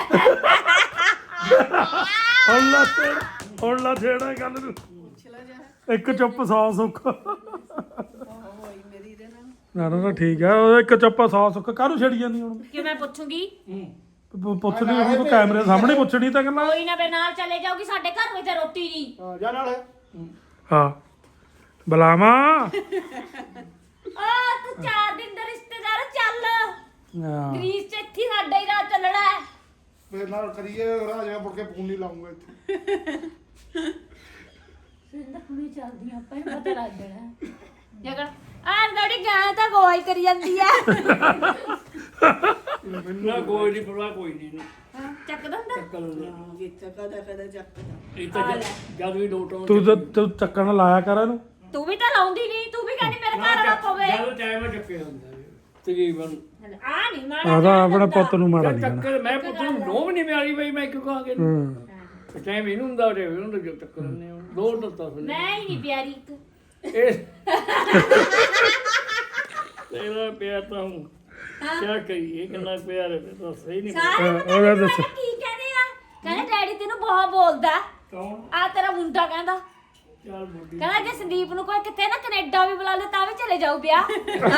Speaker 2: ਹੁਣ ਲਾ ਛੇੜਾ ਗੱਲ ਨੂੰ
Speaker 5: ਪੁੱਛ ਲੈ ਜਾ
Speaker 2: ਇੱਕ ਚੁੱਪ 100 ਸੁੱਖ
Speaker 5: ਬਹੁਤ ਹੋਈ ਮੇਰੀ ਦੇ ਨਾਲ
Speaker 2: ਨਾ ਠੀਕ ਹੈ ਉਹ ਇੱਕ ਚੁੱਪ 100 ਸੁੱਖ ਕਾਹਨੂੰ ਛੇੜੀ ਜਾਂਦੀ ਹੁਣ
Speaker 4: ਕਿ ਮੈਂ ਪੁੱਛੂਗੀ
Speaker 2: ਪੁੱਛਣੀ ਉਹਨੂੰ ਤੂੰ ਕੈਮਰੇ ਸਾਹਮਣੇ ਪੁੱਛਣੀ ਤਾਂ ਗੱਲਾਂ
Speaker 4: ਕੋਈ ਨਾ ਬੇ ਨਾਲ ਚਲੇ ਜਾਊਗੀ ਸਾਡੇ ਘਰ ਵਿੱਚ ਰੋਟੀ ਨਹੀਂ
Speaker 1: ਹਾਂ ਜਾ ਨਾਲ
Speaker 2: ਹਾਂ ਬੁਲਾਵਾ
Speaker 4: ਆ ਤੂੰ 4 ਦਿਨ ਦਾ ਰਿਸ਼ਤੇਦਾਰ ਚੱਲ ਗ੍ਰੀਸ ਚ ਇੱਥੇ ਹੀ ਸਾਡਾ ਹੀ ਰਾਤ ਚੱਲਣਾ ਹੈ
Speaker 1: ਫਿਰ ਨਾਲ ਕਰੀਏ ਰਾਜਾ ਮੁੜ ਕੇ ਫੋਨ ਨਹੀਂ ਲਾਉਂਗਾ ਇੱਥੇ
Speaker 4: ਸਿੰਦਾ ਕੁੜੀ ਚੱਲਦੀਆਂ ਆਪਾਂ ਨੂੰ ਪਤਾ ਲੱਗ ਜਾਣਾ ਜਗੜ ਆਹ ਗੜੀ ਗਾਂ ਤਾਂ ਗੋਈ ਕਰੀ ਜਾਂਦੀ ਆ
Speaker 3: ਨਾ ਕੋਈ ਨਹੀਂ ਪਰਵਾਹ ਕੋਈ ਨਹੀਂ
Speaker 4: ਚੱਕ ਦਿੰਦਾ
Speaker 3: ਕੱਲ
Speaker 5: ਜਿੱਥੇ ਕਦਾ ਚੱਕਦਾ
Speaker 3: ਇਹ ਤਾਂ ਜਦ ਵੀ ਲੋਟ ਆਉਂ
Speaker 2: ਤੂੰ ਚੱਕਣ ਲਾਇਆ ਕਰ ਇਹਨੂੰ
Speaker 4: ਤੂੰ ਵੀ ਤਾਂ ਲਾਉਂਦੀ ਨਹੀਂ ਤੂੰ ਵੀ ਕਹਿੰਦੀ ਮੇਰੇ ਘਰ ਵਾਲਾ ਪਵੇ
Speaker 3: ਜਦ ਟਾਈਮ ਚੱਕੇ ਹੁੰਦਾ ਤਕਰੀਬਨ
Speaker 4: ਆ ਨਹੀਂ ਮਾੜਾ
Speaker 2: ਆਦਾ ਆਪਣੇ ਪੁੱਤ ਨੂੰ ਮਾੜਾ ਨਹੀਂ ਕਹਿਣਾ
Speaker 3: ਚੱਕਰ ਮੈਂ ਪੁੱਤ ਨੂੰ ਨੋਮ ਨਹੀਂ ਮਿਆਰੀ ਬਈ ਮੈਂ ਕਿਉਂ ਕਹਾਂ ਕਿ ਟਾਈਮ ਇਹਨੂੰ ਹੁੰਦਾ ਤੇ ਇਹਨੂੰ ਤਾਂ ਚੱਕਰ ਨੇ ਲੋਟ ਦਿੱਤਾ ਫਿਰ
Speaker 4: ਮੈਂ ਹੀ ਨਹੀਂ ਪਿਆਰੀ ਇੱਕ
Speaker 3: ਇਹ ਤੇਰਾ ਪਿਆਰ ਤਾਂ ਹੂੰ ਕੀ ਕਰੀਏ ਕਿੰਨਾ ਪਿਆਰ ਹੈ ਤਾਂ ਸਹੀ ਨਹੀਂ
Speaker 4: ਸਾਰੇ
Speaker 2: ਉਹਦਾ ਦੱਸ
Speaker 4: ਕੀ ਕਹਿੰਦੇ ਆ ਕਹਿੰਦੇ ਡੈਡੀ ਤੈਨੂੰ ਬਹੁਤ ਬੋਲਦਾ
Speaker 3: ਕੌਣ
Speaker 4: ਆ ਤੇਰਾ ਮੁੰਡਾ ਕਹਿੰਦਾ
Speaker 3: ਚੱਲ ਬੁੱਢੀ
Speaker 4: ਕਹਿੰਦਾ ਜੇ ਸੰਦੀਪ ਨੂੰ ਕੋਈ ਕਿਤੇ ਨਾ ਕੈਨੇਡਾ ਵੀ ਬੁਲਾ ਲੈ ਤਾਂ ਵੀ ਚਲੇ ਜਾਊ ਵਿਆਹ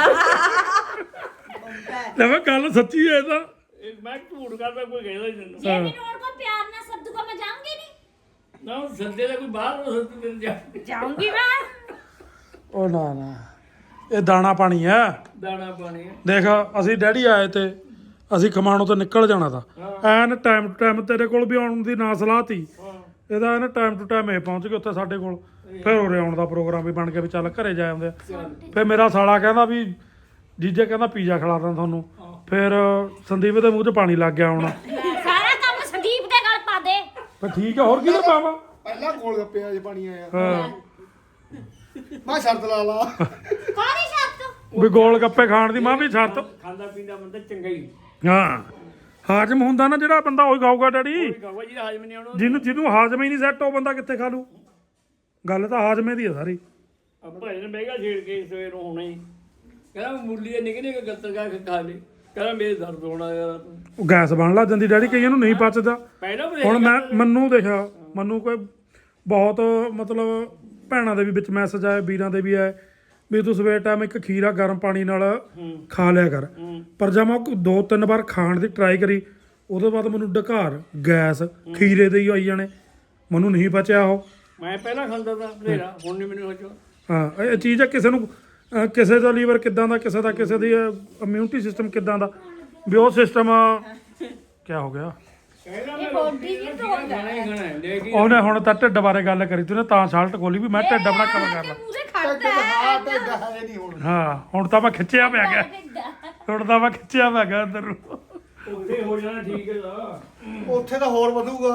Speaker 2: ਲੈ ਮੈਂ ਗੱਲ ਸੱਚੀ ਹੈ ਤਾਂ
Speaker 3: ਇਹ ਮੈਂ ਝੂਠ ਕਰਦਾ ਕੋਈ ਕਹਿੰਦਾ ਹੀ ਨਹੀਂ
Speaker 4: ਜੇ ਮੈਨੂੰ ਹੁਣ ਕੋਈ ਪਿਆਰ ਨਾਲ ਸੱਦੂਗਾ ਮੈਂ ਜਾਊਂਗੀ ਨਹੀਂ
Speaker 3: ਨਾ ਉਹ ਸੰਦੇ ਦਾ ਕੋਈ ਬਾਹਰ ਹੋ ਸਕਦਾ ਦਿਨ ਜਾ
Speaker 4: ਜਾਊਂਗੀ ਮੈਂ
Speaker 2: ਉਹ ਨਾ ਇਹ ਦਾਣਾ ਪਾਣੀ ਹੈ
Speaker 3: ਦਾਣਾ ਪਾਣੀ ਹੈ।
Speaker 2: ਦੇਖ ਅਸੀਂ ਡੈਡੀ ਆਏ ਤੇ ਅਸੀਂ ਖਮਾਣੋਂ ਤੋਂ ਨਿਕਲ ਜਾਣਾ ਤਾਂ ਐਨ ਟਾਈਮ ਟੂ ਟਾਈਮ ਤੇਰੇ ਕੋਲ ਵੀ ਆਉਣ ਦੀ ਨਾ ਸਲਾਹ ਤੀ ਇਹਦਾ ਐਨ ਟਾਈਮ ਟੂ ਟਾਈਮ ਇਹ ਪਹੁੰਚ ਗਏ ਉੱਥੇ ਸਾਡੇ ਕੋਲ ਫਿਰ ਉਰੇ ਆਉਣ ਦਾ ਪ੍ਰੋਗਰਾਮ ਵੀ ਬਣ ਕੇ ਵੀ ਚੱਲ ਘਰੇ ਜਾ ਆਉਂਦੇ ਆ। ਫਿਰ ਮੇਰਾ ਸਾਲਾ ਕਹਿੰਦਾ ਵੀ ਜੀਜੇ ਕਹਿੰਦਾ ਪੀਜ਼ਾ ਖਿਲਾ ਦਾਂ ਤੁਹਾਨੂੰ ਫਿਰ ਸੰਦੀਪ ਦੇ ਮੂੰਹ 'ਚ ਪਾਣੀ ਲੱਗ ਗਿਆ ਹੁਣ
Speaker 4: ਸਾਰਾ ਕੰਮ ਸੰਦੀਪ ਦੇ ਗੱਲ ਪਾ ਦੇ
Speaker 2: ਫਿਰ ਠੀਕ ਹੈ ਹੋਰ ਕਿਹਦੇ ਪਾਵਾਂ
Speaker 1: ਪਹਿਲਾਂ ਕੋਲ ਗੱਪੇ ਆ ਜੇ ਪਾਣੀ ਆਇਆ
Speaker 2: ਹਾਂ
Speaker 1: ਮੈਂ ਸ਼ਰਤ ਲਾ ਲਾ
Speaker 4: ਕਾਹਦੀ ਸ਼ਰਤ
Speaker 2: ਵੀ ਗੋਲ ਗੱਪੇ ਖਾਣ ਦੀ ਮਾਂ ਵੀ ਛੱਤ
Speaker 3: ਖਾਂਦਾ ਪੀਂਦਾ ਬੰਦਾ ਚੰਗਾ ਹੀ
Speaker 2: ਹਾਂ ਹਾਜ਼ਮ ਹੁੰਦਾ ਨਾ ਜਿਹੜਾ ਬੰਦਾ ਉਹੀ ਖਾਊਗਾ ਡੈਡੀ
Speaker 3: ਕਹਵਾ ਜੀ ਹਾਜ਼ਮ ਨਹੀਂ ਆਉਣਾ
Speaker 2: ਜਿਹਨੂੰ ਹਾਜ਼ਮ ਹੀ ਨਹੀਂ ਸੈੱਟ ਉਹ ਬੰਦਾ ਕਿੱਥੇ ਖਾ ਲੂ ਗੱਲ ਤਾਂ ਹਾਜ਼ਮੇ ਦੀ ਹੈ ਸਾਰੀ
Speaker 3: ਆਪਾਂ ਇਹਨੇ ਬਹਿਗਾ ਛੇੜ ਕੇ ਸਵੇਰ ਨੂੰ ਹੋਣਾ ਹੀ ਕਹਿੰਦਾ ਮੁਰਲੀ ਦੇ ਨਿੱਕੇ ਨਿੱਕੇ ਗੱਤਰ ਕਾ ਕੇ ਖਾ ਲੈ ਕਹਿੰਦਾ ਮੇਰੇ ਦਰਦ ਹੋਣਾ ਯਾਰ
Speaker 2: ਉਹ ਗੈਸ ਬਣ ਲੱਗ ਜਾਂਦੀ ਡੈਡੀ ਕਈਆਂ ਨੂੰ ਨਹੀਂ ਪਚਦਾ
Speaker 3: ਪਹਿਲਾਂ ਵੀ
Speaker 2: ਹੁਣ ਮੈਨੂੰ ਦੇਖਿਆ ਮੈਨੂੰ ਕੋਈ ਬਹੁਤ ਮਤਲਬ ਭੈਣਾਂ ਦੇ ਵੀ ਵਿੱਚ ਮੈਸੇਜ ਆਏ ਵੀਰਾਂ ਦੇ ਵੀ ਆਏ ਵੀ ਤੂੰ ਸਵੇਰ ਟਾਈਮ ਇੱਕ ਖੀਰਾ ਗਰਮ ਪਾਣੀ ਨਾਲ ਖਾ ਲਿਆ ਕਰ ਪਰ ਜਦ ਮੈਂ 2-3 ਵਾਰ ਖਾਣ ਦੀ ਟਰਾਈ ਕਰੀ ਉਹਦੇ ਬਾਅਦ ਮੈਨੂੰ ਡਕਾਰ ਗੈਸ ਖੀਰੇ ਦੇ ਹੀ ਆਈ ਜਾਣੇ ਮੈਨੂੰ ਨਹੀਂ ਪਚਿਆ ਉਹ
Speaker 3: ਮੈਂ ਪਹਿਲਾਂ ਖਾਂਦਾ ਤਾਂ ਬਥੇਰਾ ਹੁਣ ਨਹੀਂ ਮੈਨੂੰ ਹੋ
Speaker 2: ਹਾਂ ਇਹ ਚੀਜ਼ ਹੈ ਕਿਸੇ ਨੂੰ ਕਿਸੇ ਦਾ ਲੀਵਰ ਕਿੱਦਾਂ ਦਾ ਕਿਸੇ ਦੀ ਇਮਿਊਨਿਟੀ ਸਿਸਟਮ ਕਿੱਦਾਂ ਦਾ ਵੀ ਉਹ ਸਿਸਟਮ ਕੀ ਹੋ ਗਿਆ
Speaker 4: ਇਹ ਬੋਡੀ ਨਹੀਂ ਤੋੜਦਾ
Speaker 3: ਖਾਣਾ ਹੀ ਖਾਣਾ ਹੈ ਲੇਕਿਨ
Speaker 2: ਉਹਨੇ ਹੁਣ ਤਾਂ ਢਿੱਡ ਬਾਰੇ ਗੱਲ ਕਰੀ ਤੂੰ ਨੇ ਤਾਂ ਸ਼ਾਲਟ ਖੋਲੀ ਵੀ ਮੈਂ ਢਿੱਡ ਆਪਣਾ ਕਵਰ ਕਰ ਲਾਂ
Speaker 4: ਮੂਰੇ ਖੜਦਾ
Speaker 1: ਹਾਂ ਤੇ ਹੈ ਨਹੀਂ ਹੁਣ
Speaker 2: ਹਾਂ ਹੁਣ ਤਾਂ ਮੈਂ ਖਿੱਚਿਆ ਪਿਆ ਗਿਆ ਹੁਣ ਤਾਂ ਮੈਂ ਖਿੱਚਿਆ ਪਿਆ ਗਿਆ ਅੰਦਰ ਨੂੰ
Speaker 3: ਉੱਥੇ ਹੋ ਜਾਣਾ ਠੀਕ ਹੈ ਦਾ
Speaker 1: ਉੱਥੇ ਤਾਂ ਹੋਰ ਵਧੂਗਾ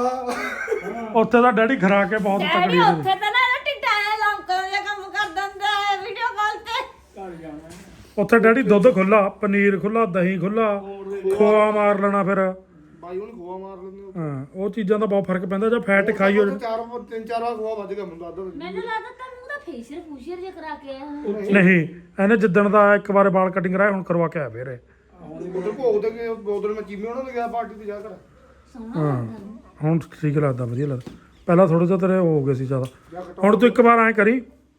Speaker 2: ਉੱਥੇ ਤਾਂ ਡੈਡੀ ਖਰਾ ਕੇ ਬਹੁਤ
Speaker 4: ਡੈਡੀ
Speaker 2: ਤਕੜੀ ਸੀ
Speaker 4: ਉੱਥੇ ਤਾਂ ਨਾ ਇਹਦਾ ਟਿੱਡਾ ਐ ਲੌਂਕਾਂ ਜਿਹਾ ਕੰਮ ਕਰ ਦਿੰਦਾ ਹੈ ਵੀਡੀਓ ਕਾਲ ਤੇ
Speaker 3: ਘਰ ਜਾਣਾ
Speaker 2: ਉੱਥੇ ਡੈਡੀ ਦੁੱਧ ਖੁੱਲਾ ਪਨੀਰ ਖੁੱਲਾ ਦਹੀਂ ਖੁੱਲਾ ਖੋਆ ਮਾਰ ਲੈਣਾ ਫਿਰ
Speaker 1: ਬਾਈ ਉਹਨੇ ਗੋਆ ਮਾਰ ਲੈਂਦੇ
Speaker 2: ਹਾਂ ਉਹ ਚੀਜ਼ਾਂ ਦਾ ਬਹੁਤ ਫਰਕ ਪੈਂਦਾ ਜੇ ਫੈਟ ਖਾਈ ਹੋ
Speaker 1: 3-4 ਵਾਰ ਗੋਆ ਵੱਜ ਗਿਆ ਮੈਨੂੰ ਅੱਧਾ
Speaker 4: ਮੈਨੂੰ ਲੱਗਦਾ ਤਾਂ ਮੂੰਹ ਦਾ ਫੇਸ਼ੀਅਲ ਫੂਸ਼ੀਅਲ ਜਿਹਾ ਕਰਾ ਕੇ ਆਇਆ ਹੋਣਾ।
Speaker 2: ਨਹੀਂ ਇਹਨੇ ਜਿੱਦਣ ਦਾ ਇੱਕ ਵਾਰ ਵਾਲ ਕਟਿੰਗ ਕਰਾਇਆ ਹੁਣ ਕਰਵਾ ਕੇ ਆਇਆ ਫੇਰ ਇਹ।
Speaker 1: ਉਧਰ ਭੋਗ ਤੇ ਉਧਰ ਮੈਂ ਚੀਮੇ ਉਹਨਾਂ ਦੇ ਗਿਆ ਪਾਰਟੀ ਤੇ ਜਾ ਕਰ
Speaker 2: ਹਾਂ ਹੁਣ ਠੀਕ ਲੱਗਦਾ ਵਧੀਆ ਲੱਗਦਾ ਪਹਿਲਾਂ ਥੋੜਾ ਜਿਹਾ ਤੇਰੇ ਹੋ ਗਏ ਸੀ ਜ਼ਿਆਦਾ ਹੁਣ ਤੂੰ ਇੱਕ ਵਾਰ ਐਂ ਕਰੀ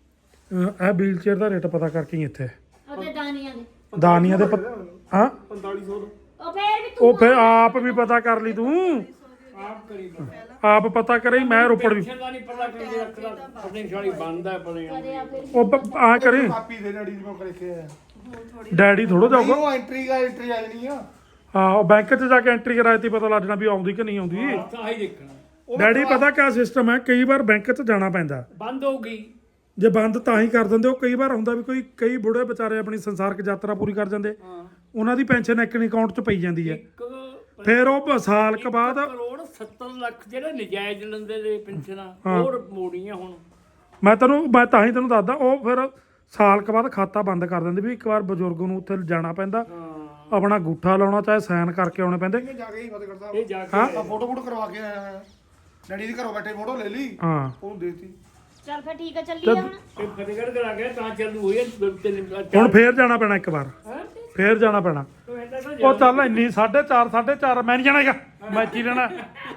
Speaker 2: ਇਹ ਵੀਲ ਚੇਅਰ ਦਾ ਰੇਟ ਪਤਾ ਕਰਕੇ ਹੀ ਇੱਥੇ
Speaker 4: ਉਹਦੇ ਦਾਨੀਆਂ ਦੇ
Speaker 2: ਦਾਨੀਆਂ ਦੇ ਹਾਂ
Speaker 1: 4500
Speaker 4: ਉਹ ਫੇਰ ਵੀ ਤੂੰ
Speaker 2: ਉਹ ਫੇਰ ਆਪ ਵੀ ਪਤਾ ਕਰ ਲਈ ਤੂੰ
Speaker 3: ਆਪ ਕਰੀ
Speaker 2: ਆਪ ਪਤਾ ਕਰੀ ਮੈਂ ਰੋਪੜ ਵੀ
Speaker 3: ਦਾ ਨਹੀਂ ਪਤਾ ਕਿ ਰੱਖਦਾ ਪੋਟੈਂਸ਼ੀਅਲ ਬੰਦ ਹੈ ਪਰੇ
Speaker 4: ਕਰਿਆ ਫਿਰ
Speaker 2: ਉਹ ਆ ਕਰੀ
Speaker 1: ਕਾਪੀ ਦੇ ਡੈਡੀ ਜਿਵੇਂ ਕਰੇ ਕੇ ਆਇਆ
Speaker 2: ਡੈਡੀ ਥੋੜਾ ਜਾਊਗਾ
Speaker 1: ਉਹ ਐਂਟਰੀ ਆ ਜਾਣੀ ਆ
Speaker 2: ਹਾਂ ਉਹ ਬੈਂਕ 'ਚ ਜਾ ਕੇ ਐਂਟਰੀ ਕਰਾਈ ਤੀ ਪਤਾ ਲੱਗਣਾ ਵੀ ਆਉਂਦੀ ਕਿ ਨਹੀਂ ਆਉਂਦੀ
Speaker 3: ਤਾਂ ਹੀ ਦੇਖਣਾ
Speaker 2: ਡੈਡੀ ਪਤਾ ਕਿਆ ਸਿਸਟਮ ਹੈ ਕਈ ਵਾਰ ਬੈਂਕ 'ਚ ਜਾਣਾ ਪੈਂਦਾ
Speaker 3: ਬੰਦ ਹੋ ਗਈ
Speaker 2: ਜੇ ਬੰਦ ਤਾਂ ਹੀ ਕਰ ਦਿੰਦੇ ਉਹ ਕਈ ਵਾਰ ਹੁੰਦਾ ਵੀ ਕਈ ਬੁੜੇ ਵਿਚਾਰੇ ਆਪਣੀ ਸੰਸਾਰਕ ਯਾਤਰਾ ਪੂਰੀ ਕਰ ਜਾਂਦੇ ਉਹਨਾਂ ਦੀ ਪੈਨਸ਼ਨ ਇੱਕ ਅਕਾਊਂਟ 'ਚ ਪਈ ਜਾਂਦੀ ਹੈ ਫਿਰ ਉਹ ਸਾਲ ਕੁ ਬਾਅਦ
Speaker 3: ਕਰੋੜ 70 ਲੱਖ ਜਿਹੜੇ ਨਜਾਇਜ਼ ਲੈਂਦੇ ਨੇ ਪੈਨਸ਼ਨਾਂ ਹੋਰ ਮੋੜੀਆਂ ਹੁਣ
Speaker 2: ਮੈਂ ਤਾਂ ਹੀ ਤੈਨੂੰ ਦੱਸਦਾ ਉਹ ਫਿਰ ਸਾਲ ਕੁ ਬਾਅਦ ਖਾਤਾ ਬੰਦ ਕਰ ਦਿੰਦੇ ਵੀ ਇੱਕ ਵਾਰ ਬਜ਼ੁਰਗ ਨੂੰ ਉੱਥੇ ਜਾਣਾ ਪੈਂਦਾ ਆਪਣਾ ਅੰਗੂਠਾ ਲਾਉਣਾ ਚਾਹੇ ਸਾਈਨ ਕਰਕੇ ਆਉਣੇ ਪੈਂਦੇ
Speaker 1: ਇਹ ਜਾ ਕੇ ਹੀ ਫਤਿਹਗੜ੍ਹ ਸਾਹਿਬ
Speaker 3: ਇਹ ਜਾ ਕੇ
Speaker 2: ਹਾਂ
Speaker 1: ਫੋਟੋ ਕਰਵਾ ਕੇ ਆਇਆ ਹੋਇਆ ਡੈਡੀ ਦੀ ਘਰੋਂ ਬੈਠੇ ਫੋਟੋ ਲੈ ਲਈ
Speaker 2: ਹਾਂ
Speaker 1: ਉਹਨੂੰ ਦੇਤੀ
Speaker 4: ਚੱਲ ਫਿਰ ਠੀਕ ਆ ਚੱਲੀਏ ਹੁਣ
Speaker 3: ਇਹ ਫਤਿਹਗੜ੍ਹ ਕਰਾ ਕੇ ਤਾਂ ਚਾਲੂ ਹੋਈ ਹੈ
Speaker 2: ਹੁਣ ਫੇਰ ਜਾਣਾ ਪੈਣਾ ਇੱਕ ਵਾਰ ਫੇਰ ਜਾਣਾ ਪੈਣਾ ਉਹ ਚੱਲ ਇੰਨੀ 4:30 ਮੈਂ ਨਹੀਂ ਜਾਣਾ ਹੈਗਾ ਮੈਂ ਇੱਥੇ ਹੀ ਰਹਿਣਾ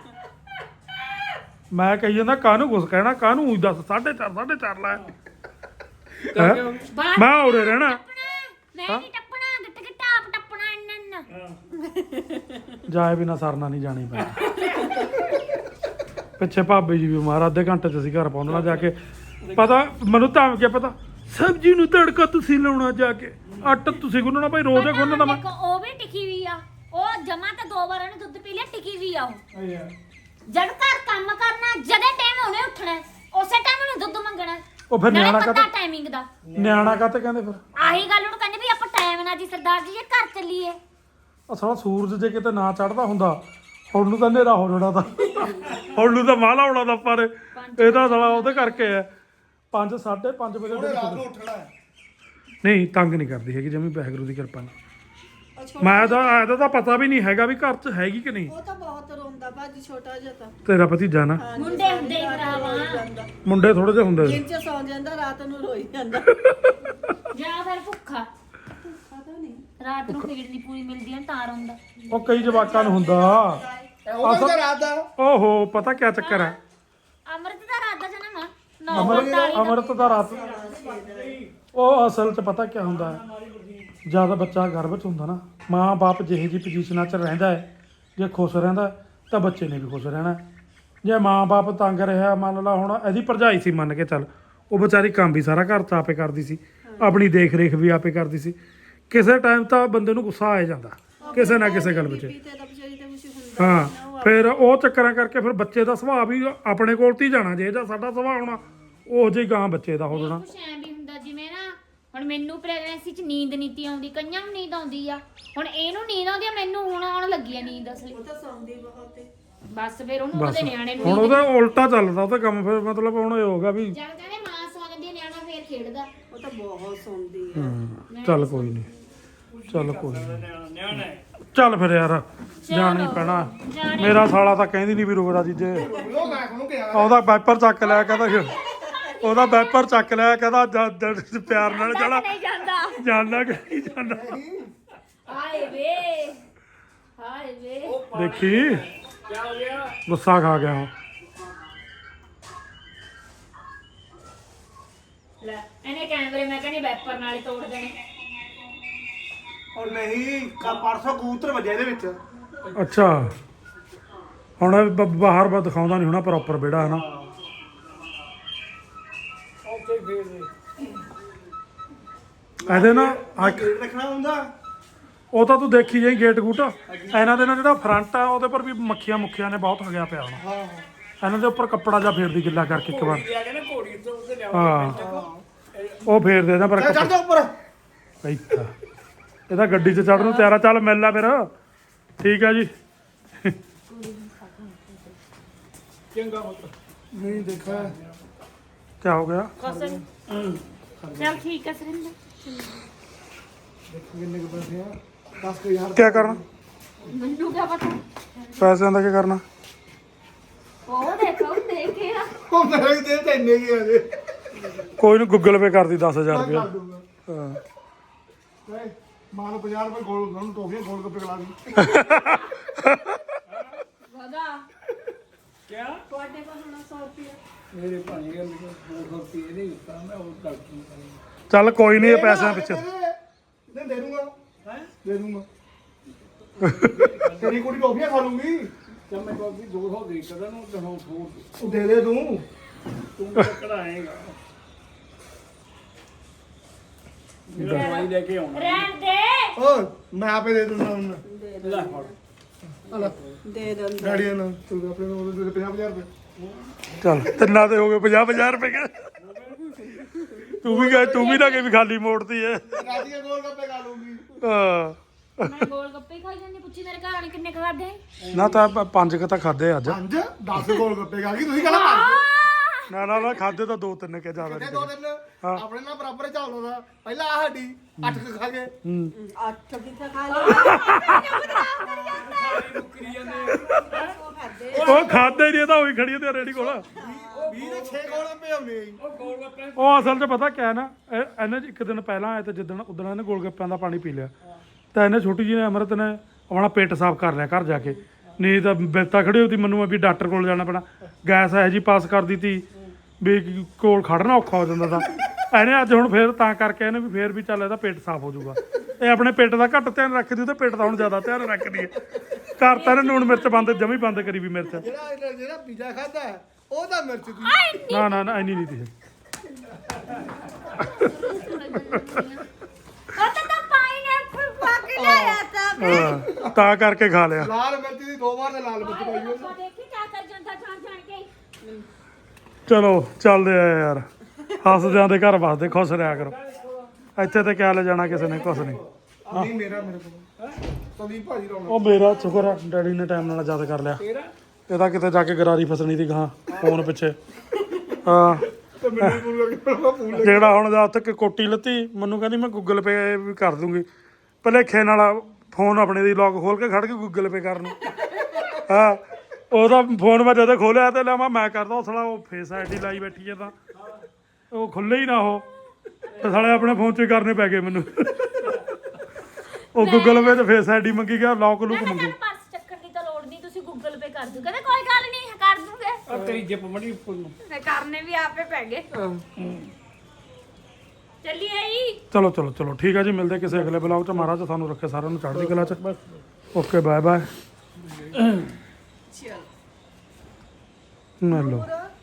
Speaker 2: ਮੈਂ ਕਹੀ ਜਾਂਦਾ ਕਾਹਨੂੰ ਕੁਛ ਕਹਿਣਾ ਕਾਹਨੂੰ ਊਂ ਦੱਸ 4:30 ਲੈ ਹੈਂ? ਮੈਂ ਉਰੇ ਰਹਿਣਾ
Speaker 4: ਮੈਂ ਨਹੀਂ ਟੱਪਣਾ ਗਿੱਟ ਗਿੱਟ ਆਪ ਟੱਪਣਾ ਇੰਨ
Speaker 2: ਜਾਏ ਬਿਨਾ ਸਰਨਾ ਨਹੀਂ ਜਾਣੀ ਪੈਣਾ ਪਿੱਛੇ ਭਾਬੀ ਜੀ ਵੀ ਬਿਮਾਰ ਅੱਧੇ ਘੰਟੇ ਚ ਅਸੀਂ ਘਰ ਪਹੁੰਚਣਾ ਜਾ ਕੇ ਪਤਾ ਮੈਨੂੰ ਤਾਂ ਕਿ ਪਤਾ ਸਬਜ਼ੀ ਨੂੰ ਤੜਕਾ ਤੁਸੀਂ ਲਾਉਣਾ ਜਾ ਕੇ ਆਟਾ ਤੁਸੀਂ ਗੁੰਨਣਾ ਭਾਈ ਰੋਜ਼ ਗੁੰਨਣਾ ਮੈਂ
Speaker 4: ਉਹ ਵੀ ਟਿਕੀ ਵੀ ਆ ਉਹ ਜਮਾ ਤੇ 2 ਵਾਰ ਉਹਨੇ ਦੁੱਧ ਪੀ ਲਿਆ ਟਿਕੀ ਵੀ ਆ ਉਹ ਜਦ ਘਰ ਕੰਮ ਕਰਨਾ ਜਦੇ ਟਾਈਮ ਉਹਨੇ ਉੱਠਣਾ ਉਸੇ ਟਾਈਮ ਉਹਨੇ ਦੁੱਧ ਮੰਗਣਾ
Speaker 2: ਉਹ ਫਿਰ ਨਿਆਣਾ
Speaker 4: ਪਤਾ
Speaker 2: ਕਾਤੇ
Speaker 4: ਟਾਈਮਿੰਗ ਦਾ
Speaker 2: ਨਿਆਣਾ ਕਾਤੇ ਕਹਿੰਦੇ ਫਿਰ
Speaker 4: ਆਹੀ ਗੱਲ ਉਹਨੂੰ ਕਹਿੰਦੇ ਵੀ ਆਪਾਂ ਟਾਈਮ ਨਾਲ ਜੀ ਸਰਦਾਰ ਜੀ ਜੇ ਘਰ ਚੱਲੀਏ
Speaker 2: ਅਸਲ ਸੂਰਜ ਜੇ ਕਿਤੇ ਨਾ ਚੜਦਾ ਹੁੰਦਾ ਹੁਣ ਨੂੰ ਤਾਂ ਹਨੇਰਾ ਹੋ ਜਾਣਾ ਤਾਂ ਹੁਣ ਨੂੰ ਤਾਂ ਮਾਲਾ ਹੋਣਾ ਤਾਂ ਪਰ ਇਹਦਾ ਸਾਲਾ ਉਹਦੇ ਕਰਕੇ ਹੈ 5 5:30 ਵਜੇ
Speaker 1: ਉਹਨੇ ਰਾਤ ਨੂੰ ਉੱਠਣਾ ਹੈ
Speaker 2: ਨਹੀਂ ਤੰਗ ਨਹੀਂ ਕਰਦੀ ਹੈਗੀ ਜਿਵੇਂ ਵਾਹਿਗੁਰੂ ਦੀ ਕਿਰਪਾ ਨਾਲ ਮੈਂ ਤਾਂ ਇਹਦਾ ਤਾਂ ਪਤਾ ਵੀ ਨਹੀਂ ਹੈਗਾ ਵੀ ਘਰ 'ਚ ਹੈਗੀ ਕਿ ਨਹੀਂ
Speaker 5: ਉਹ ਤਾਂ ਬਹੁਤ ਰੋਂਦਾ ਭਾਜੀ ਛੋਟਾ ਜਿਹਾ ਤਾਂ
Speaker 2: ਤੇਰਾ ਭਤੀਜਾ ਨਾ
Speaker 4: ਮੁੰਡੇ ਹੁੰਦੇ ਹੀ ਭਰਾਵਾ
Speaker 2: ਮੁੰਡੇ ਥੋੜੇ ਜਿਹੇ ਹੁੰਦੇ ਸੀ
Speaker 5: ਦਿਨ ਚ ਸੌਂ ਜਾਂਦਾ ਰਾਤ ਨੂੰ ਰੋਈ ਜਾਂਦਾ
Speaker 4: ਜਾਂ ਫਿਰ ਭੁੱਖਾ
Speaker 5: ਪਤਾ ਨਹੀਂ
Speaker 4: ਰਾਤ ਨੂੰ ਫੀਡ ਨਹੀਂ ਪੂਰੀ ਮਿਲਦੀ ਹੈ ਤਾਂ ਰੋਂਦਾ
Speaker 2: ਉਹ ਕਈ ਜਵਾਕਾਂ ਨੂੰ ਹੁੰਦਾ
Speaker 1: ਉਹ ਤਾਂ ਰਾਤ ਦਾ
Speaker 2: ਓਹੋ ਪਤਾ ਕੀ ਚੱਕਰ ਹੈ
Speaker 4: ਅਮਰਤ ਦਾ ਰਾਤ ਦਾ ਜਨਮ ਆ
Speaker 2: ਅਮਰਤ ਦਾ ਰਾਤ ਉਹ ਅਸਲ 'ਚ ਪਤਾ ਕੀ ਹੁੰਦਾ ਹੈ ਜਦ ਬੱਚਾ ਗਰਭ 'ਚ ਹੁੰਦਾ ਨਾ ਮਾਂ ਬਾਪ ਜਿਹੇ ਜੀ ਪੋਜੀਸ਼ਨਾਂ 'ਚ ਰਹਿੰਦਾ ਹੈ ਜੇ ਖੁਸ਼ ਰਹਿੰਦਾ ਤਾਂ ਬੱਚੇ ਨੇ ਵੀ ਖੁਸ਼ ਰਹਿਣਾ ਜੇ ਮਾਂ ਬਾਪ ਤੰਗ ਰਿਹਾ ਮੰਨ ਲਾ ਹੁਣ ਇਹਦੀ ਭਰਜਾਈ ਸੀ ਮੰਨ ਕੇ ਚੱਲ ਉਹ ਵਿਚਾਰੀ ਕੰਮ ਵੀ ਸਾਰਾ ਘਰ 'ਚ ਆਪੇ ਕਰਦੀ ਸੀ ਆਪਣੀ ਦੇਖ ਰੇਖ ਵੀ ਆਪੇ ਕਰਦੀ ਸੀ ਕਿਸੇ ਟਾਈਮ ਤਾਂ ਬੰਦੇ ਨੂੰ ਗੁੱਸਾ ਆ ਜਾਂਦਾ ਕਿਸੇ ਨਾ ਕਿਸੇ ਗੱਲ ਵਿੱਚ
Speaker 5: ਤੇ ਤਾਂ ਵਿਚਾਰੀ ਤੇ ਕੁਝ ਹੁੰਦਾ
Speaker 2: ਹਾਂ ਫਿਰ ਉਹ ਚੱਕਰਾਂ ਕਰਕੇ ਫਿਰ ਬੱਚੇ ਦਾ ਸੁਭਾਅ ਵੀ ਆਪਣੇ ਕੋਲ ਤੇ ਹੀ ਜਾਣਾ ਜੇ ਜਾਂ ਸਾਡਾ ਸੁਭਾਅ ਹੋਣਾ ਉਹ ਜਿਹੀ ਗਾਂ ਬੱਚੇ ਦਾ ਹੋ ਜਾਣਾ
Speaker 4: ਕੁਛ ਐਂ ਵੀ ਹੁੰਦਾ ਜਿਵੇਂ ਨਾ ਹੁਣ ਮੈਨੂੰ ਪ੍ਰੈਗਨੈਂਸੀ 'ਚ ਨੀਂਦ ਨੀਤੀ ਆਉਂਦੀ ਕਈਆਂ ਨੂੰ ਨੀਂਦ ਆਉਂਦੀ ਆ ਹੁਣ ਇਹਨੂੰ ਨੀਂਦ ਆਉਂਦੀ ਆ ਮੈਨੂੰ ਹੁਣ ਆਉਣ ਲੱਗੀ ਆ ਨੀਂਦ ਅਸਲੀ
Speaker 5: ਉਹ ਤਾਂ ਸੌਂਦੀ ਬਹੁਤ ਹੈ
Speaker 4: ਬਸ ਫਿਰ ਉਹਨੂੰ ਉਹਦੇ ਨਿਆਣੇ ਨੂੰ
Speaker 2: ਹੁਣ ਉਹਦਾ ਉਲਟਾ ਚੱਲਦਾ ਉਹਦਾ ਕੰਮ ਫਿਰ ਮਤਲਬ ਹੁਣ ਇਹ ਹੋਗਾ ਵੀ
Speaker 4: ਜਦ ਕਹਿੰਦੇ ਮਾਂ ਸੌ ਜਾਂਦੀ ਆ ਨਿਆਣਾ ਫੇਰ ਖੇਡਦਾ
Speaker 5: ਉਹ ਤਾਂ ਬਹੁਤ ਸੌਂਦੀ ਹੈ
Speaker 2: ਚੱਲ ਕੋਈ ਨਹੀਂ ਚੱਲ ਕੋਈ ਨਹੀਂ ਚੱਲ ਫਿਰ ਯਾਰ ਜਾਣਾ ਹੀ ਪੈਣਾ ਮੇਰਾ ਸਾਲਾ ਤਾਂ ਕਹਿੰਦੀ ਨਹੀਂ ਵੀ ਰੁਕਦਾ ਜੀਜੇ
Speaker 1: ਉਹ ਮੈਂ ਉਹਨੂੰ ਕਿਹਾ
Speaker 2: ਉਹਦਾ ਵਾਈਪਰ ਚੱਕ ਲਿਆ ਕਹਿੰਦਾ ਉਹਦਾ ਵਾਈਪਰ ਚੱਕ ਲਿਆ ਕਹਿੰਦਾ ਪਿਆਰ ਨਾਲ ਚੜਾ
Speaker 4: ਨਹੀਂ ਜਾਂਦਾ
Speaker 2: ਜਾਣਾ ਕਿ ਨਹੀਂ ਜਾਣਾ
Speaker 4: ਹਾਏ ਵੇ ਹਾਏ ਵੇ
Speaker 2: ਦੇਖੀ
Speaker 3: ਕੀ ਹੋ ਗਿਆ
Speaker 2: ਗੁੱਸਾ ਖਾ ਗਿਆ ਉਹ
Speaker 4: ਲੈ ਇਹਨੇ ਕੈਮਰੇ ਮੈਂ ਕਹਿੰਦੀ ਵੈਪਰ ਨਾਲ ਹੀ ਤੋੜ ਦੇਣੇ
Speaker 1: ਉਹ ਨਹੀਂ ਪਰਸੋਂ ਕਬੂਤਰ ਵੱਜਿਆ ਇਹਦੇ ਵਿੱਚ
Speaker 2: ਅੱਛਾ ਹੁਣ ਇਹ ਬਾਹਰ ਦਿਖਾਉਂਦਾ ਨਹੀਂ ਹੋਣਾ ਪ੍ਰੋਪਰ ਵਿਹੜਾ ਹੈ ਨਾ
Speaker 3: ਓਕੇ ਫੇਰ
Speaker 2: ਇਹਦੇ ਨਾ
Speaker 1: ਗੇਟ ਰੱਖਣਾ ਹੁੰਦਾ
Speaker 2: ਉਹ ਤਾਂ ਤੂੰ ਦੇਖੀ ਜਾਈ ਗੇਟ ਗੂਟ ਇਹਨਾਂ ਦੇ ਨਾਲ ਜਿਹੜਾ ਫਰੰਟ ਆ ਉਹਦੇ ਪਰ ਵੀ ਮੱਖੀਆਂ ਨੇ ਬਹੁਤ ਹਗਿਆ ਪਿਆ ਹੋਣਾ
Speaker 1: ਹਾਂ
Speaker 2: ਇਹਨਾਂ ਦੇ ਉੱਪਰ ਕੱਪੜਾ ਜਾਂ ਫੇਰਦੀ ਗਿੱਲਾ ਕਰਕੇ ਇੱਕ ਵਾਰ
Speaker 3: ਆ ਗਿਆ ਨਾ ਘੋੜੀ ਤੋਂ ਉਹਦੇ ਲਿਆਓ
Speaker 2: ਹਾਂ ਉਹ ਫੇਰ ਦੇ ਦਾ ਪਰ
Speaker 1: ਚੜ ਜਾ ਉੱਪਰ
Speaker 2: ਇੱਥਾ ਇਹਦਾ ਗੱਡੀ 'ਚ ਚੜਨ ਨੂੰ ਤਿਆਰ ਆ ਚੱਲ ਮਿਲ ਲੈ ਫਿਰ ਠੀਕ ਆ ਜੀ
Speaker 3: ਚੰਗਾ ਮਤ
Speaker 1: ਨਹੀਂ ਦੇਖਿਆ
Speaker 2: ਕੀ ਹੋ ਗਿਆ
Speaker 4: ਕਸਨ ਚਲ ਠੀਕ ਹੈ ਸਰਿੰਦਰ
Speaker 1: ਦੇਖੋ ਕਿੰਨੇ ਕੁ ਪੈਸੇ ਆ 10,000
Speaker 2: ਕੀ ਕਰਨਾ
Speaker 4: ਮੈਨੂੰ ਕੀ ਪਤਾ
Speaker 2: ਪੈਸਿਆਂ ਦਾ ਕੀ ਕਰਨਾ
Speaker 4: ਉਹ ਦੇਖੋ ਦੇਖੇ ਨਾ
Speaker 1: ਉਹ ਮੇਰੇ ਦੇ ਤੇ ਇੰਨੇ ਕੀ ਆ ਜੇ
Speaker 2: ਕੋਈ ਨੂੰ ਗੂਗਲ ਪੇ ਕਰਦੀ 10,000
Speaker 1: ਮੈਂ
Speaker 2: ਰੁਪਇਆ
Speaker 1: ਕਰ ਦੂੰਗਾ
Speaker 2: ਹਾਂ
Speaker 1: ਨਹੀਂ ਮਾਂ ਨੂੰ 50 ਰੁਪਏ ਗੋਲ ਗੋਲ ਟੋਫੀਆਂ ਗੋਲ ਗੱਪੇ ਖਿਲਾ ਦੀ
Speaker 4: ਵਗਾ
Speaker 3: ਕਿਆ
Speaker 5: ਤੁਹਾਡੇ ਕੋਲ ਹੁਣ 100 ਰੁਪਏ
Speaker 3: ਮੇਰੇ ਭਾਣੇ ਗੱਲ ਕੋ ਰੁਪਏ ਨਹੀਂ ਦਿੱਤਾ ਮੈਂ ਉਹ ਡਾਕਟਰ
Speaker 2: ਚੱਲ ਕੋਈ ਨਹੀਂ ਇਹ ਪੈਸਿਆਂ ਪਿੱਛੇ
Speaker 1: ਦੇ ਦੂੰਗਾ ਹੈ ਦੇ ਦੂੰਗਾ ਤੇਰੀ ਕੁੜੀ ਟੋਫੀਆਂ ਖਾ ਲੂੰਗੀ
Speaker 3: ਜਦ ਮੈਂ ਕੋਈ 200 ਦੇ ਕਰਾਂ ਨੂੰ ਤੇ ਹੁਣ ਛੋੜ
Speaker 1: ਉਹ ਦੇ ਦੇ ਤੂੰ
Speaker 3: ਤੂੰ ਕਢਾਏਗਾ ਮੇਰਾ ਦਵਾਈ ਲੈ ਕੇ ਆਉਣਾ
Speaker 4: ਰਹਿਣ ਦੇ
Speaker 1: ਓ ਮੈਂ ਆਪੇ ਦੇ ਦੂੰਗਾ ਹੁਣ
Speaker 3: ਲੈ ਫੜ
Speaker 1: ਹਲਾ
Speaker 5: ਦੇ ਦਿੰਦਾ
Speaker 1: ਗਾੜੀਆਂ ਨਾਲ ਤੂੰ ਆਪਣੇ ਨੂੰ ਉਹਦੇ 50,000 ਰੁਪਏ
Speaker 2: ਚੱਲ ਤਿੰਨਾਂ ਦੇ ਹੋ ਗਏ 50,000 ਰੁਪਏ ਤੂੰ ਵੀ ਨਾ ਕਿ ਵੀ ਖਾਲੀ ਮੋੜਤੀ ਐ
Speaker 1: ਰਾਤੀਆਂ ਗੋਲ ਗੱਪੇ ਖਾ ਲੂੰਗੀ
Speaker 2: ਹਾਂ
Speaker 4: ਮੈਂ ਗੋਲ ਗੱਪੇ ਹੀ ਖਾਈ ਜਾਂਦੀ ਪੁੱਛੀ ਮੇਰੇ ਘਰ ਵਾਲੇ ਕਿੰਨੇ ਖਾਦੇ
Speaker 2: ਨਾ ਤਾਂ 5 ਕ ਤਾਂ ਖਾਦੇ ਅੱਜ
Speaker 1: 5 10 ਗੋਲ ਗੱਪੇ ਖਾ ਗਈ ਤੁਸੀਂ ਕਹਿੰਦਾ
Speaker 2: ਨਾ ਖਾਦੇ ਤਾਂ 2-3 ਕੇ ਜ਼ਿਆਦਾ
Speaker 1: ਕਿਤੇ
Speaker 2: ਨਹੀਂ
Speaker 1: ਦੋ ਦਿਨ ਆਪਣੇ ਨਾਲ ਬਰਾਬਰ ਚੱਲਦਾ ਦਾ ਪਹਿਲਾਂ ਆ ਸਾਡੀ 8 ਖਾ ਗਏ
Speaker 5: ਅੱਠ ਕਿੱਥੇ ਖਾ ਲਿਆ
Speaker 3: ਮੁੱਕਰੀ ਜਾਂਦੇ
Speaker 5: ਉਹ ਖਾਦੇ
Speaker 2: ਉਹ ਖਾਦੇ ਨਹੀਂ, ਇਹ ਤਾਂ ਉਹੀ ਖੜੀ ਤੇ ਰੇੜੀ ਕੋਲ।
Speaker 1: 20 ਦੇ 6 ਗੋਲ ਪਏ ਆਉਣੇ ਜੀ।
Speaker 3: ਉਹ ਗੋਲ ਗੱਪੇ
Speaker 2: ਉਹ ਅਸਲ 'ਚ ਪਤਾ ਕਿਆ ਨਾ, ਇਹਨੇ ਇੱਕ ਦਿਨ ਪਹਿਲਾਂ ਆਏ ਤੇ ਜਿੱਦਣ ਉਦਣ ਇਹਨੇ ਗੋਲ ਗੱਪਿਆਂ ਦਾ ਪਾਣੀ ਪੀ ਲਿਆ, ਤਾਂ ਇਹਨੇ ਛੋਟੀ ਜਿਹੀ ਨੇ ਅੰਮ੍ਰਿਤ ਨੇ ਆਪਣਾ ਪੇਟ ਸਾਫ਼ ਕਰ ਲਿਆ ਘਰ ਜਾ ਕੇ। ਨਹੀਂ ਤਾਂ ਬਿਪਤਾ ਖੜੀ ਹੋਈ ਮੈਨੂੰ ਵੀ ਡਾਕਟਰ ਕੋਲ ਜਾਣਾ ਪੈਣਾ, ਗੈਸ ਇਹੋ ਜਿਹੀ ਪਾਸ ਕਰ ਦਿੱਤੀ ਵੀ ਕੋਲ ਖੜਨਾ ਔਖਾ ਹੋ ਜਾਂਦਾ ਤਾਂ ਇਹਨੇ ਅੱਜ ਹੁਣ ਫੇਰ ਤਾਂ ਕਰਕੇ ਇਹਨੇ ਵੀ ਫੇਰ ਵੀ ਚੱਲ ਇਹਦਾ ਪੇਟ ਸਾਫ਼ ਹੋ ਜਾਊਗਾ। ਇਹ ਆਪਣੇ ਪੇਟ ਦਾ ਘੱਟ ਧਿਆਨ ਰੱਖਦੀ, ਉਹਦੇ ਪੇਟ ਦਾ ਹੁਣ ਜ਼ਿਆਦਾ ਧਿਆਨ ਰੱਖਦੀ ਹੈ। ਘਰ ਤਾਂ ਇਹਨੇ ਲੂਣ ਮਿਰਚ ਜਮੀ ਬੰਦ ਕਰੀ ਵੀ ਮਿਰਚ।
Speaker 1: ਜਿਹੜਾ ਪੀਜ਼ਾ ਖਾਦਾ ਉਹਦਾ ਮਿਰਚ ਦੀ
Speaker 2: ਨਾ ਇੰਨੀ ਨਹੀਂ ਤੀ।
Speaker 4: ਉਹ ਤਾਂ ਪਾਈਨਐਪਲ ਪਾ ਕੇ ਲਿਆਇਆ ਤਾਂ
Speaker 2: ਤਾਂ ਕਰਕੇ ਖਾ ਲਿਆ।
Speaker 1: ਲਾਲ ਮਿਰਚ ਦੀ 2 ਵਾਰ ਤੇ ਲਾਲ ਮਿਰਚ ਪਾਈ ਹੋਈ।
Speaker 4: ਉਹ ਦੇਖੀ ਕਿਆ ਕਰ ਜਾਂਦਾ ਜਾਣ ਕੇ
Speaker 2: ਚਲੋ ਚੱਲਦੇ ਆ ਯਾਰ, ਹੱਸਦਿਆਂ ਦੇ ਘਰ ਵਸਦੇ, ਖੁਸ਼ ਰਿਹਾ ਕਰੋ। ਇੱਥੇ ਤੇ ਕਿਆ ਲੈ ਜਾਣਾ ਕਿਸੇ ਨੇ, ਕੁਛ ਨਹੀਂ।
Speaker 1: ਨਹੀਂ ਮੇਰਾ ਮੇਰੇ ਕੋਲ ਸੰਦੀਪ ਭਾਜੀ ਰੌਣਾ
Speaker 2: ਉਹ ਮੇਰਾ ਸ਼ੁਕਰ ਆ ਡੈਡੀ ਨੇ ਟਾਈਮ ਨਾਲ ਯਾਦ ਕਰ ਲਿਆ। ਇਹਦਾ ਕਿਤੇ ਜਾ ਕੇ ਗਰਾਰੀ ਫਸਣੀ ਦੀ ਗਾਂ ਫੋਨ ਪਿੱਛੇ। ਹਾਂ
Speaker 1: ਤੇ ਮੈਨੂੰ ਪੂਰਾ
Speaker 2: ਜਿਹੜਾ ਹੁਣ ਜਾ ਉੱਥੇ ਕੋਟੀ ਲੱਤੀ, ਮੈਨੂੰ ਕਹਿੰਦੀ ਮੈਂ ਗੂਗਲ ਪੇ ਵੀ ਕਰ ਦੂੰਗੀ। ਭਲੇਖੇ ਨਾਲ ਫੋਨ ਆਪਣੇ ਦੀ ਲੌਕ ਖੋਲ ਕੇ ਖੜ ਕੇ ਗੂਗਲ ਪੇ ਕਰਨ। ਹਾਂ ਉਹਦਾ ਫੋਨ ਮੈਂ ਜਦੋਂ ਖੋਲਿਆ ਤੇ ਲਿਆ ਮੈਂ ਕਰਦਾ, ਉਹ ਸਾਲਾ ਉਹ ਫੇਸ ਆਈਡੀ ਲਾਈ ਬੈਠੀ ਹੈ ਤਾਂ ਉਹ ਖੁੱਲੇ ਹੀ ਨਾ ਉਹ, ਤੇ ਸਾਲੇ ਆਪਣੇ ਫੋਨ 'ਚ ਹੀ ਕਰਨੇ ਪੈ ਗਏ ਮੈਨੂੰ। ਉਹ ਗੂਗਲ ਪੇ 'ਚ ਫੇਸ ਆਈਡੀ ਮੰਗੀ ਗਿਆ, ਲੌਕ ਲੂਕ ਮੰਗੀ।
Speaker 4: ਪਰਸ ਚੱਕਣ ਦੀ ਤਾਂ ਲੋੜ ਨਹੀਂ, ਤੁਸੀਂ ਗੂਗਲ ਪੇ ਕਰ ਦਿਓ। ਕਹਿੰਦੇ ਕੋਈ ਗੱਲ ਨਹੀਂ ਕਰ ਦੂੰਗੇ।
Speaker 3: ਆ ਤੇਰੀ ਜਿੱਪ ਮੜੀ ਉੱਪਰ ਨੂੰ
Speaker 4: ਤੇ ਕਰਨੇ ਵੀ ਆਪੇ ਪੈ ਗਏ। ਚੱਲੀਏ ਜੀ।
Speaker 2: ਚਲੋ ਚਲੋ ਚਲੋ ਠੀਕ ਹੈ ਜੀ, ਮਿਲਦੇ ਕਿਸੇ ਅਗਲੇ ਬਲੌਗ 'ਚ। ਮਹਾਰਾਜ ਤੁਹਾਨੂੰ ਰੱਖੇ ਸਾਰਿਆਂ ਨੂੰ ਚੜ੍ਹਦੀ ਕਲਾ 'ਚ। Okay bye bye.
Speaker 5: ਚਲ
Speaker 2: ਮਿਲ ਲਓ।